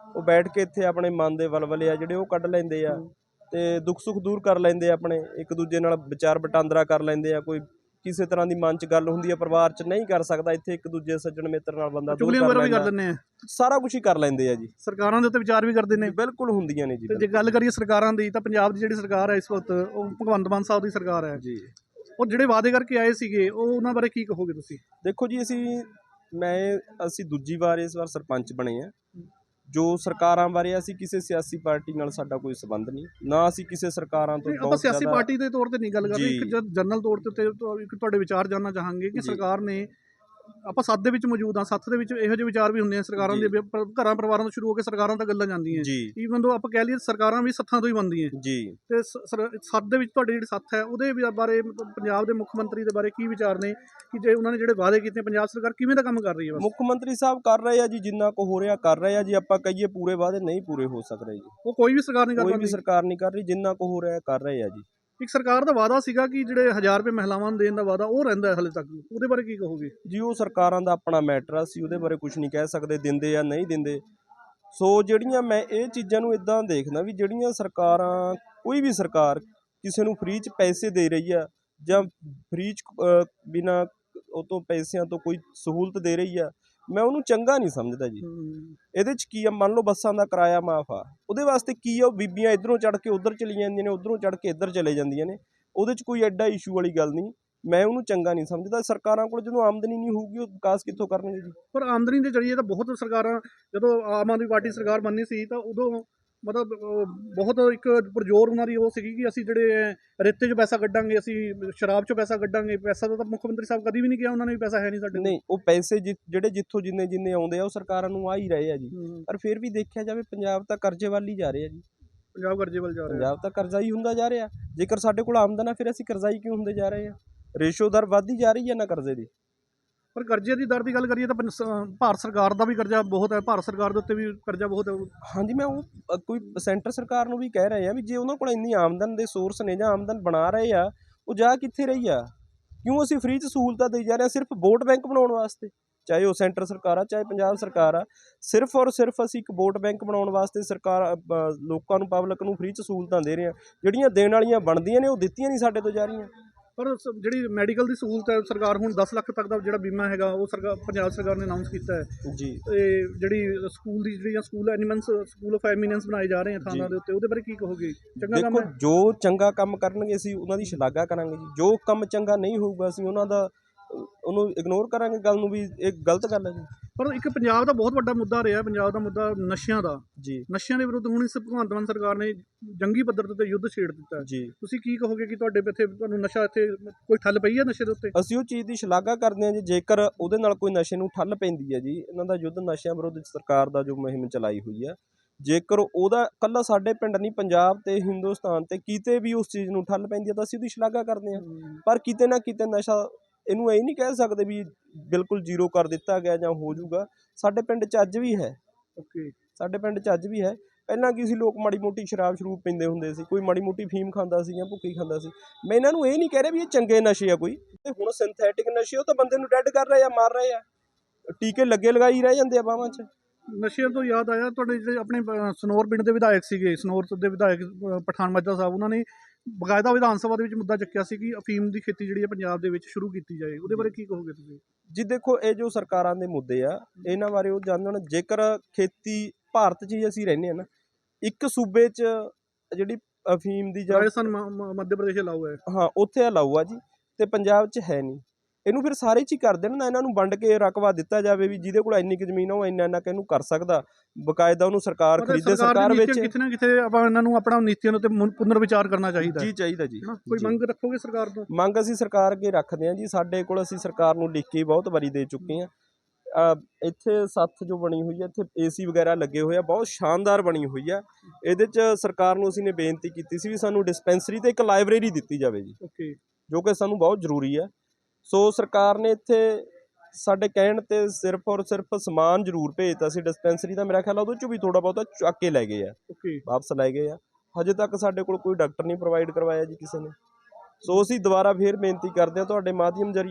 S7: ਉਹ ਬੈਠ ਕੇ ਇੱਥੇ ਆਪਣੇ ਮਨ ਦੇ ਵਲਵਲੇ ਆ ਜਿਹੜੇ ਉਹ ਕੱਢ ਲੈਂਦੇ ਆ ਤੇ ਦੁੱਖ ਸੁੱਖ ਦੂਰ ਕਰ ਲੈਂਦੇ ਆ, ਆਪਣੇ ਇੱਕ ਦੂਜੇ ਨਾਲ ਵਿਚਾਰ ਵਟਾਂਦਰਾ ਕਰ ਲੈਂਦੇ ਆ। ਕੋਈ ਕਿਸੇ ਤਰ੍ਹਾਂ ਦੀ ਮਨ 'ਚ ਗੱਲ ਹੁੰਦੀ ਆ ਪਰਿਵਾਰ 'ਚ ਨਹੀਂ ਕਰ ਸਕਦਾ, ਇੱਥੇ ਇੱਕ ਦੂਜੇ ਸੱਜਣ ਮਿੱਤਰ ਨਾਲ ਬੰਦਾ ਦੂਰ
S1: ਚੁਗਲੀਆਂ
S7: ਕਰ
S1: ਵਗੈਰਾ ਵੀ ਕਰ
S7: ਲੈਂਦਾ,
S1: ਲੈਂਦੇ ਆ,
S7: ਸਾਰਾ ਕੁਝ ਹੀ ਕਰ ਲੈਂਦੇ ਆ ਜੀ।
S1: ਸਰਕਾਰਾਂ ਦੇ ਉੱਤੇ ਵਿਚਾਰ ਵੀ ਕਰਦੇ ਨੇ।
S7: ਬਿਲਕੁਲ ਹੁੰਦੀਆਂ ਨੇ ਜੀ।
S1: ਤੇ ਜੇ ਗੱਲ ਕਰੀਏ ਸਰਕਾਰਾਂ ਦੀ, ਤਾਂ ਪੰਜਾਬ ਦੀ ਜਿਹੜੀ ਸਰਕਾਰ ਹੈ ਇਸ ਵਕਤ, ਉਹ ਭਗਵੰਤ ਮਾਨ ਸਾਹਿਬ ਦੀ ਸਰਕਾਰ ਹੈ
S7: ਜੀ।
S1: ਉਹ ਜਿਹੜੇ ਵਾਅਦੇ ਕਰਕੇ ਆਏ ਸੀਗੇ, ਉਹ ਉਹਨਾਂ ਬਾਰੇ ਕੀ ਕਹੋਗੇ ਤੁਸੀਂ?
S7: ਦੇਖੋ ਜੀ, ਅਸੀਂ ਮੈਂ ਅਸੀਂ ਦੂਜੀ ਵਾਰ ਇਸ ਵਾਰ ਸਰਪੰਚ ਬਣੇ ਆ। ਜੋ ਸਰਕਾਰਾਂ ਬਾਰੇ ਅਸੀਂ ਕਿਸੇ ਸਿਆਸੀ ਪਾਰਟੀ ਨਾਲ ਸਾਡਾ ਕੋਈ ਸੰਬੰਧ ਨਹੀਂ, ਨਾ ਅਸੀਂ ਕਿਸੇ ਸਰਕਾਰਾਂ ਤੋਂ
S1: ਨਹੀਂ, ਆਪਾਂ
S7: ਬਹੁਤ
S1: ਸਿਆਸੀ
S7: ਜ਼ਿਆਦਾ-
S1: ਪਾਰਟੀ ਦੇ ਤੌਰ ਤੇ ਨਹੀਂ ਗੱਲ ਕਰ ਰਹੇ,
S7: ਜੀ।
S1: ਇੱਕ ਜਦ ਜਨਰਲ ਤੌਰ ਤੇ ਤੇ ਤੁਹਾ- ਇੱਕ ਤੁਹਾਡੇ ਵਿਚਾਰ ਜਾਨਣਾ ਚਾਹਾਂਗੇ ਕਿ
S7: ਜੀ।
S1: ਸਰਕਾਰ ਨੇ, ਆਪਾਂ ਸੱਥ ਦੇ ਵਿੱਚ ਮੌਜੂਦ ਹਾਂ, ਸੱਥ ਦੇ ਵਿੱਚ ਇਹੋ ਜਿਹੇ ਵਿਚਾਰ ਵੀ ਹੁੰਦੇ ਆ ਸਰਕਾਰਾਂ
S7: ਜੀ।
S1: ਦੇ, ਵੀ ਪਰ ਘਰਾਂ ਪਰਿਵਾਰਾਂ ਤੋਂ ਸ਼ੁਰੂ ਹੋ ਕੇ ਸਰਕਾਰਾਂ ਤੱਕ ਗੱਲਾਂ ਜਾਂਦੀਆਂ।
S7: ਜੀ
S1: ਈਵਨ ਦੋ ਆਪਾਂ ਕਹਿ ਲਈਏ ਸਰਕਾਰਾਂ ਵੀ ਸੱਥਾਂ ਤੋਂ ਹੀ ਬਣਦੀਆਂ।
S7: ਜੀ
S1: ਤੇ ਸ- ਸਰ- ਸੱਥ ਦੇ ਵਿੱਚ ਤੁਹਾਡੀ ਜਿਹੜੀ ਸੱਥ ਹੈ, ਉਹਦੇ ਵੀ ਬਾਰੇ ਮਤਲਬ ਪੰਜਾਬ ਦੇ ਮੁੱਖ ਮੰਤਰੀ ਦੇ ਬਾਰੇ ਕੀ ਵਿਚਾਰ ਨੇ ਕਿ ਜੇ ਉਹਨਾਂ ਨੇ ਜਿਹੜੇ ਵਾਅਦੇ ਕੀਤੇ, ਪੰਜਾਬ ਸਰਕਾਰ ਕਿਵੇਂ ਦਾ ਕੰਮ ਕਰ ਰਹੀ ਹੈ? ਬਸ
S7: ਮੁੱਖ ਮੰਤਰੀ ਸਾਹਿਬ ਕਰ ਰਹੇ ਆ ਜੀ, ਜਿੰਨਾ ਕੁ ਹੋ ਰਿਹਾ ਕਰ ਰਹੇ ਆ ਜੀ। ਆਪਾਂ ਕਹੀਏ ਪੂਰੇ ਵਾਅਦੇ ਨਹੀਂ ਪੂਰੇ ਹੋ ਸਕ ਰਹੇ ਜੀ,
S1: ਉਹ ਕੋਈ ਵੀ ਸਰਕਾਰ ਨਹੀਂ ਕਰ
S7: ਕੋਈ
S1: ਪਾਉਂਦੀ।
S7: ਵੀ ਸਰਕਾਰ ਨਹੀਂ ਕਰ ਰਹੀ, ਜਿੰਨਾ ਕੁ ਹੋ ਰਿਹਾ ਕਰ ਰਹੇ ਆ ਜੀ।
S1: ਇੱਕ ਸਰਕਾਰ ਦਾ ਵਾਅਦਾ ਸੀਗਾ ਕਿ ਜਿਹੜੇ ਹਜ਼ਾਰ ਰੁਪਏ ਮਹਿਲਾਵਾਂ ਨੂੰ ਦੇਣ ਦਾ ਵਾਅਦਾ, ਉਹ ਰਹਿੰਦਾ ਹੈ ਹਲੇ ਤੱਕ, ਉਹਦੇ ਬਾਰੇ ਕੀ ਕਹੋਗੇ?
S7: ਜੀ ਉਹ ਸਰਕਾਰਾਂ ਦਾ ਆਪਣਾ ਮੈਟਰ ਆ, ਅਸੀਂ ਉਹਦੇ ਬਾਰੇ ਕੁਝ ਨਹੀਂ ਕਹਿ ਸਕਦੇ ਦਿੰਦੇ ਜਾਂ ਨਹੀਂ ਦਿੰਦੇ। ਸੋ ਜਿਹੜੀਆਂ ਮੈਂ ਇਹ ਚੀਜ਼ਾਂ ਨੂੰ ਇਦਾਂ ਦੇਖਦਾ ਵੀ ਜਿਹੜੀਆਂ ਸਰਕਾਰਾਂ, ਕੋਈ ਵੀ ਸਰਕਾਰ ਕਿਸੇ ਨੂੰ ਫ੍ਰੀ 'ਚ ਪੈਸੇ ਦੇ ਰਹੀ ਆ ਜਾਂ ਫ੍ਰੀ 'ਚ ਅ, ਬਿਨਾਂ ਉਹ ਤੋਂ ਪੈਸਿਆਂ ਤੋਂ ਕੋਈ ਸਹੂਲਤ ਦੇ ਰਹੀ ਆ, ਮੈਂ ਉਹਨੂੰ ਚੰਗਾ ਨਹੀਂ ਸਮਝਦਾ ਜੀ। ਇਹਦੇ 'ਚ ਕੀ ਆ, ਮੰਨ ਲਓ ਬੱਸਾਂ ਦਾ ਕਿਰਾਇਆ ਮਾਫ ਆ, ਉਹਦੇ ਵਾਸਤੇ ਕੀ ਆ, ਉਹ ਬੀਬੀਆਂ ਇੱਧਰੋਂ ਚੜ੍ਹ ਕੇ ਉੱਧਰ ਚਲੀ ਜਾਂਦੀਆਂ ਨੇ, ਉੱਧਰੋਂ ਚੜ੍ਹ ਕੇ ਇੱਧਰ ਚਲੇ ਜਾਂਦੀਆਂ ਨੇ, ਉਹਦੇ 'ਚ ਕੋਈ ਐਡਾ ਇਸ਼ੂ ਵਾਲੀ ਗੱਲ ਨਹੀਂ। ਮੈਂ ਉਹਨੂੰ ਚੰਗਾ ਨਹੀਂ ਸਮਝਦਾ। ਸਰਕਾਰਾਂ ਕੋਲ ਜਦੋਂ ਆਮਦਨੀ ਨਹੀਂ ਹੋਊਗੀ, ਉਹ ਵਿਕਾਸ ਕਿੱਥੋਂ ਕਰਨਗੇ ਜੀ?
S1: ਪਰ ਆਮਦਨੀ ਦੇ ਜ਼ਰੀਏ ਤਾਂ ਬਹੁਤ ਸਰਕਾਰਾਂ, ਜਦੋਂ ਆਮ ਆਦਮੀ ਪਾਰਟੀ ਸਰਕਾਰ ਬਣਨੀ ਸੀ ਤਾਂ ਉਦੋਂ ਮਤਲਬ ਅਹ, ਬਹੁਤ ਇੱਕ ਪੁਰਜੋਰ ਉਹਨਾਂ ਦੀ ਉਹ ਸੀਗੀ ਕਿ ਅਸੀਂ ਜਿਹੜੇ ਰੇਤੇ 'ਚ ਪੈਸਾ ਕੱਢਾਂਗੇ, ਅਸੀਂ ਸ਼ਰਾਬ 'ਚੋਂ ਪੈਸਾ ਕੱਢਾਂਗੇ। ਪੈਸਾ ਤਾਂ ਮੁੱਖ ਮੰਤਰੀ ਸਾਹਿਬ ਕਦੀ ਵੀ ਨਹੀਂ ਕਿਹਾ ਉਹਨਾਂ ਨੇ ਵੀ ਪੈਸਾ ਹੈ ਨਹੀਂ ਸਾਡੇ ਕੋਲ।
S7: ਨਹੀਂ, ਉਹ ਪੈਸੇ ਜਿ- ਜਿਹੜੇ ਜਿੱਥੋਂ ਜਿੰਨੇ ਜਿੰਨੇ ਆਉਂਦੇ ਆ ਉਹ ਸਰਕਾਰਾਂ ਨੂੰ ਆ ਹੀ ਰਹੇ ਆ ਜੀ।
S1: ਹੂੰ।
S7: ਪਰ ਫਿਰ ਵੀ ਦੇਖਿਆ ਜਾਵੇ ਪੰਜਾਬ ਤਾਂ ਕਰਜ਼ੇ ਵੱਲ ਹੀ ਜਾ ਰਿਹਾ ਜੀ।
S1: ਪੰਜਾਬ ਕਰਜ਼ੇ ਵੱਲ ਜਾ ਰਿਹਾ।
S7: ਪੰਜਾਬ ਤਾਂ ਕਰਜ਼ਾ ਹੀ ਹੁੰਦਾ ਜਾ ਰਿਹਾ। ਜੇਕਰ ਸਾਡੇ ਕੋਲ ਆਮਦਨ ਆ, ਫਿਰ ਅਸੀਂ ਕਰਜ਼ਾਈ ਕਿਉਂ ਹੁੰਦੇ ਜਾ ਰਹੇ ਆ? ਰੇਸ਼ੋ ਦਰ ਵੱਧਦੀ ਜਾ ਰਹੀ ਹੈ ਨਾ ਕਰਜ਼ੇ ਦੀ।
S1: ਪਰ ਕਰਜ਼ੇ ਦੀ ਦਰ ਦੀ ਗੱਲ ਕਰੀਏ ਤਾਂ ਪੰਜ- ਸ- ਭਾਰਤ ਸਰਕਾਰ ਦਾ ਵੀ ਕਰਜ਼ਾ ਬਹੁਤ ਹੈ, ਭਾਰਤ ਸਰਕਾਰ ਦੇ ਉੱਤੇ ਵੀ ਕਰਜ਼ਾ ਬਹੁਤ ਹੈ।
S7: ਹਾਂਜੀ, ਮੈਂ ਉਹ ਅ, ਕੋਈ ਸੈਂਟਰ ਸਰਕਾਰ ਨੂੰ ਵੀ ਕਹਿ ਰਹੇ ਆ ਵੀ ਜੇ ਉਹਨਾਂ ਕੋਲ ਇੰਨੀ ਆਮਦਨ ਦੇ ਸੋਰਸ ਨੇ ਜਾਂ ਆਮਦਨ ਬਣਾ ਰਹੇ ਆ, ਉਹ ਜਾ ਕਿੱਥੇ ਰਹੀ ਆ? ਕਿਉਂ ਅਸੀਂ ਫ੍ਰੀ 'ਚ ਸਹੂਲਤਾਂ ਦੇਈ ਜਾ ਰਹੇ ਹਾਂ ਸਿਰਫ ਵੋਟ ਬੈਂਕ ਬਣਾਉਣ ਵਾਸਤੇ? ਚਾਹੇ ਉਹ ਸੈਂਟਰ ਸਰਕਾਰ ਆ, ਚਾਹੇ ਪੰਜਾਬ ਸਰਕਾਰ ਆ, ਸਿਰਫ ਔਰ ਸਿਰਫ ਅਸੀਂ ਇੱਕ ਵੋਟ ਬੈਂਕ ਬਣਾਉਣ ਵਾਸਤੇ ਸਰਕਾਰ ਅ, ਲੋਕਾਂ ਨੂੰ, ਪਬਲਿਕ ਨੂੰ ਫ੍ਰੀ 'ਚ ਸਹੂਲਤਾਂ ਦੇ ਰਹੇ ਹਾਂ। ਜਿਹੜੀਆਂ ਦੇਣ ਵਾਲੀਆਂ ਬਣਦੀਆਂ ਨੇ ਉਹ ਦਿੱਤੀਆਂ ਨਹੀਂ ਸਾਡੇ ਤੋਂ ਜਾ ਰਹੀਆਂ।
S1: ਪਰ ਸ- ਜਿਹੜੀ ਮੈਡੀਕਲ ਦੀ ਸਹੂਲਤ ਹੈ, ਸਰਕਾਰ ਹੁਣ ਦਸ ਲੱਖ ਤੱਕ ਦਾ ਜਿਹੜਾ ਬੀਮਾ ਹੈਗਾ ਉਹ ਸਰਕਾਰ, ਪੰਜਾਬ ਸਰਕਾਰ ਨੇ ਅਨਾਉਂਸ ਕੀਤਾ ਹੈ।
S7: ਜੀ
S1: ਤੇ ਜਿਹੜੀ ਸਕੂਲ ਦੀ ਜਿਹੜੀਆਂ school eminence, school of eminence ਬਣਾਏ ਜਾ ਰਹੇ ਆ ਥਾਣਾ
S7: ਜੀ।
S1: ਦੇ ਉੱਤੇ, ਉਹਦੇ ਬਾਰੇ ਕੀ ਕਹੋਗੇ? ਚੰਗਾ ਕੰਮ
S7: ਦੇਖੋ,
S1: ਹੈ?
S7: ਜੋ ਚੰਗਾ ਕੰਮ ਕਰਨਗੇ ਅਸੀਂ ਉਹਨਾਂ ਦੀ ਸ਼ਲਾਘਾ ਕਰਾਂਗੇ ਜੀ। ਜੋ ਕੰਮ ਚੰਗਾ ਨਹੀਂ ਹੋਊਗਾ ਅਸੀਂ ਉਹਨਾਂ ਦਾ ਉਹਨੂੰ ਇਗਨੋਰ ਕਰਾਂਗੇ, ਗੱਲ ਨੂੰ ਵੀ ਇਹ ਗਲਤ ਗੱਲ ਹੈ ਜੀ।
S1: ਪਰ ਇੱਕ ਪੰਜਾਬ ਦਾ ਬਹੁਤ ਵੱਡਾ ਮੁੱਦਾ ਰਿਹਾ, ਪੰਜਾਬ ਦਾ ਮੁੱਦਾ ਨਸ਼ਿਆਂ ਦਾ।
S7: ਜੀ
S1: ਨਸ਼ਿਆਂ ਦੇ ਵਿਰੁੱਧ ਹੁਣ ਇਸ ਭਗਵੰਤ ਮਾਨ ਸਰਕਾਰ ਨੇ ਜੰਗੀ ਪੱਧਰ ਤੇ ਯੁੱਧ ਛੇੜ ਦਿੱਤਾ ਹੈ।
S7: ਜੀ
S1: ਤੁਸੀਂ ਕੀ ਕਹੋਗੇ ਕਿ ਤੁਹਾਡੇ ਇੱਥੇ ਤੁਹਾਨੂੰ ਨਸ਼ਾ, ਇੱਥੇ ਕੋਈ ਠੱਲ ਪਈ ਹੈ ਨਸ਼ੇ ਦੇ ਉੱਤੇ?
S7: ਅਸੀਂ ਉਹ ਚੀਜ਼ ਦੀ ਸ਼ਲਾਘਾ ਕਰਦੇ ਹਾਂ ਜੀ। ਜੇਕਰ ਉਹਦੇ ਨਾਲ ਕੋਈ ਨਸ਼ੇ ਨੂੰ ਠੱਲ ਪੈਂਦੀ ਹੈ ਜੀ, ਇਹਨਾਂ ਦਾ ਯੁੱਧ ਨਸ਼ਿਆਂ ਵਿਰੁੱਧ ਸਰਕਾਰ ਦਾ ਜੋ ਮੁਹਿੰਮ ਚਲਾਈ ਹੋਈ ਹੈ, ਜੇਕਰ ਉਹਦਾ ਇਕੱਲਾ ਸਾਡੇ ਪਿੰਡ ਨਹੀਂ, ਪੰਜਾਬ ਤੇ ਹਿੰਦੁਸਤਾਨ ਤੇ ਕਿਤੇ ਵੀ ਉਸ ਚੀਜ਼ ਨੂੰ ਠੱਲ ਪੈਂਦੀ ਹੈ ਤਾਂ ਅਸੀਂ ਉਹਦੀ ਸ਼ਲਾਘਾ ਕਰਦੇ ਹਾਂ। ਪਰ ਕਿਤੇ ਨਾ ਕਿਤੇ ਨਸ਼ਾ, ਇਹਨੂੰ ਇਹ ਨਹੀਂ ਕਹਿ ਸਕਦੇ ਵੀ ਬਿਲਕੁਲ ਜ਼ੀਰੋ ਕਰ ਦਿੱਤਾ ਗਿਆ ਜਾਂ ਹੋ ਜਾਊਗਾ। ਸਾਡੇ ਪਿੰਡ 'ਚ ਅੱਜ ਵੀ ਹੈ,
S1: ਓਕੇ।
S7: ਸਾਡੇ ਪਿੰਡ 'ਚ ਅੱਜ ਵੀ ਹੈ। ਪਹਿਲਾਂ ਕੀ ਸੀ, ਲੋਕ ਮਾੜੀ ਮੋਟੀ ਸ਼ਰਾਬ ਸ਼ਰੂਬ ਪੀਂਦੇ ਹੁੰਦੇ ਸੀ, ਕੋਈ ਮਾੜੀ ਮੋਟੀ ਫੀਮ ਖਾਂਦਾ ਸੀ ਜਾਂ ਭੁੱਕੀ ਖਾਂਦਾ ਸੀ। ਮੈਂ ਇਹਨਾਂ ਨੂੰ ਇਹ ਨਹੀਂ ਕਹਿ ਰਿਹਾ ਵੀ ਇਹ ਚੰਗੇ ਨਸ਼ੇ ਆ ਕੋਈ। ਤੇ ਹੁਣ ਸਿੰਥੈਟਿਕ ਨਸ਼ੇ, ਉਹ ਤਾਂ ਬੰਦੇ ਨੂੰ ਡੈਡ ਕਰ ਰਹੇ ਆ, ਮਾਰ ਰਹੇ ਆ, ਟੀਕੇ ਲੱਗੇ ਲਗਾਈ ਰਹਿ ਜਾਂਦੇ ਆ ਬਾਹਾਂ 'ਚ।
S1: ਨਸ਼ਿਆਂ ਤੋਂ ਯਾਦ ਆਇਆ, ਤੁਹਾਡੇ ਜਿਹੜੇ ਆਪਣੇ ਅ, ਸਨੌਰ ਪਿੰਡ ਦੇ ਵਿਧਾਇਕ ਸੀਗੇ, ਸਨੌਰ ਦੇ ਵਿਧਾਇਕ ਅ, ਪਠਾਨ ਮਾਜਰਾ ਸਾਹਿਬ, ਉਹਨਾਂ ਨੇ ਬਕਾਇਦਾ ਵਿਧਾਨ ਸਭਾ ਦੇ ਵਿੱਚ ਮੁੱਦਾ ਚੱਕਿਆ ਸੀ ਕਿ ਅਫੀਮ ਦੀ ਖੇਤੀ ਜਿਹੜੀ ਹੈ ਪੰਜਾਬ ਦੇ ਵਿੱਚ ਸ਼ੁਰੂ ਕੀਤੀ ਜਾਏ। ਉਹਦੇ ਬਾਰੇ ਕੀ ਕਹੋਗੇ ਤੁਸੀਂ?
S7: ਜੀ ਦੇਖੋ, ਇਹ ਜੋ ਸਰਕਾਰਾਂ ਦੇ ਮੁੱਦੇ ਆ, ਇਹਨਾਂ ਬਾਰੇ ਉਹ ਜਾਣਨ। ਜੇਕਰ ਖੇਤੀ ਭਾਰਤ 'ਚ ਹੀ ਅਸੀਂ ਰਹਿੰਦੇ ਹਾਂ ਨਾ, ਇੱਕ ਸੂਬੇ 'ਚ ਜਿਹੜੀ ਅਫੀਮ ਦੀ ਜਾਂ
S1: ਰਾਜਸਥਾਨ, ਮ- ਮ- ਮੱਧ ਪ੍ਰਦੇਸ਼ ਅਲਾਉ ਹੈ।
S7: ਹਾਂ, ਉੱਥੇ ਅਲਾਊ ਆ ਜੀ, ਤੇ ਪੰਜਾਬ 'ਚ ਹੈ ਨਹੀਂ। ਇਹਨੂੰ ਫਿਰ ਸਾਰੇ 'ਚ ਹੀ ਕਰ ਦੇਣ ਨਾ, ਇਹਨਾਂ ਨੂੰ ਵੰਡ ਕੇ ਰਕਬਾ ਦਿੱਤਾ ਜਾਵੇ ਵੀ ਜਿਹਦੇ ਕੋਲ ਇੰਨੀ ਕੁ ਜ਼ਮੀਨ ਆ ਉਹ ਇੰਨਾ ਇੰਨਾ ਕਿ ਇਹਨੂੰ ਕਰ ਸਕਦਾ। ਬਕਾਇਦਾ ਉਹਨੂੰ ਸਰਕਾਰ
S1: ਮਤਲਬ
S7: ਖਰੀਦੇ,
S1: ਦੀ
S7: ਸਰਕਾਰ
S1: ਨੀਤੀਆਂ
S7: ਵਿੱਚ।
S1: ਕਿਤੇ ਨਾ ਕਿਤੇ ਆਪਾਂ ਇਹਨਾਂ ਨੂੰ ਆਪਣਾ ਨੀਤੀਆਂ ਦੇ ਉੱਤੇ ਮੁਨ- ਪੁਨਰ ਵਿਚਾਰ ਕਰਨਾ ਚਾਹੀਦਾ ਹੈ
S7: ਜੀ ਚਾਹੀਦਾ ਜੀ।
S1: ਨਾ। ਕੋਈ
S7: ਜੀ।
S1: ਮੰਗ ਰੱਖੋਗੇ ਸਰਕਾਰ ਤੋਂ?
S7: ਮੰਗ ਅਸੀਂ ਸਰਕਾਰ ਅੱਗੇ ਰੱਖਦੇ ਹਾਂ ਜੀ। ਸਾਡੇ ਕੋਲ, ਅਸੀਂ ਸਰਕਾਰ ਨੂੰ ਲਿਖ ਕੇ ਬਹੁਤ ਵਾਰੀ ਦੇ ਚੁੱਕੇ ਹਾਂ। ਅ, ਇੱਥੇ ਸੱਥ ਜੋ ਬਣੀ ਹੋਈ ਹੈ, ਇੱਥੇ ਏਸੀ ਵਗੈਰਾ ਲੱਗੇ ਹੋਏ ਆ, ਬਹੁਤ ਸ਼ਾਨਦਾਰ ਬਣੀ ਹੋਈ ਆ। ਇਹਦੇ 'ਚ ਸਰਕਾਰ ਨੂੰ ਅਸੀਂ ਨੇ ਬੇਨਤੀ ਕੀਤੀ ਸੀ ਵੀ ਸਾਨੂੰ ਡਿਸਪੈਂਸਰੀ ਤੇ ਇੱਕ ਲਾਇਬ੍ਰੇਰੀ ਦਿੱਤੀ ਜਾਵੇ ਜੀ,
S1: ਓਕੇ।
S7: ਜੋ ਕਿ ਸਾਨੂੰ ਬਹੁਤ ਜ਼ਰੂਰੀ ਹੈ। ਸੋ ਸਰਕਾਰ ਨੇ ਇੱਥੇ ਸਾਡੇ ਕਹਿਣ ਤੇ ਸਿਰਫ ਔਰ ਸਿਰਫ ਸਮਾਨ ਜ਼ਰੂਰ ਭੇਜਤਾ ਸੀ ਡਿਸਪੈਂਸਰੀ ਦਾ। ਮੇਰਾ ਖਿਆਲ ਉਹਦੇ 'ਚੋਂ ਵੀ ਥੋੜ੍ਹਾ ਬਹੁਤਾ ਚੱਕ ਕੇ ਲੈ ਗਏ ਆ,
S1: ਓਕੇ।
S7: ਵਾਪਸ ਲੈ ਗਏ ਆ। ਹਜੇ ਤੱਕ ਸਾਡੇ ਕੋਲ ਕੋਈ ਡਾਕਟਰ ਨਹੀਂ ਪ੍ਰੋਵਾਈਡ ਕਰਵਾਇਆ ਜੀ ਕਿਸੇ ਨੇ। ਸੋ ਅਸੀਂ ਦੁਬਾਰਾ ਫੇਰ ਬੇਨਤੀ ਕਰਦੇ ਹਾਂ ਤੁਹਾਡੇ ਮਾਧਿਅਮ ਜ਼ਰੀਏ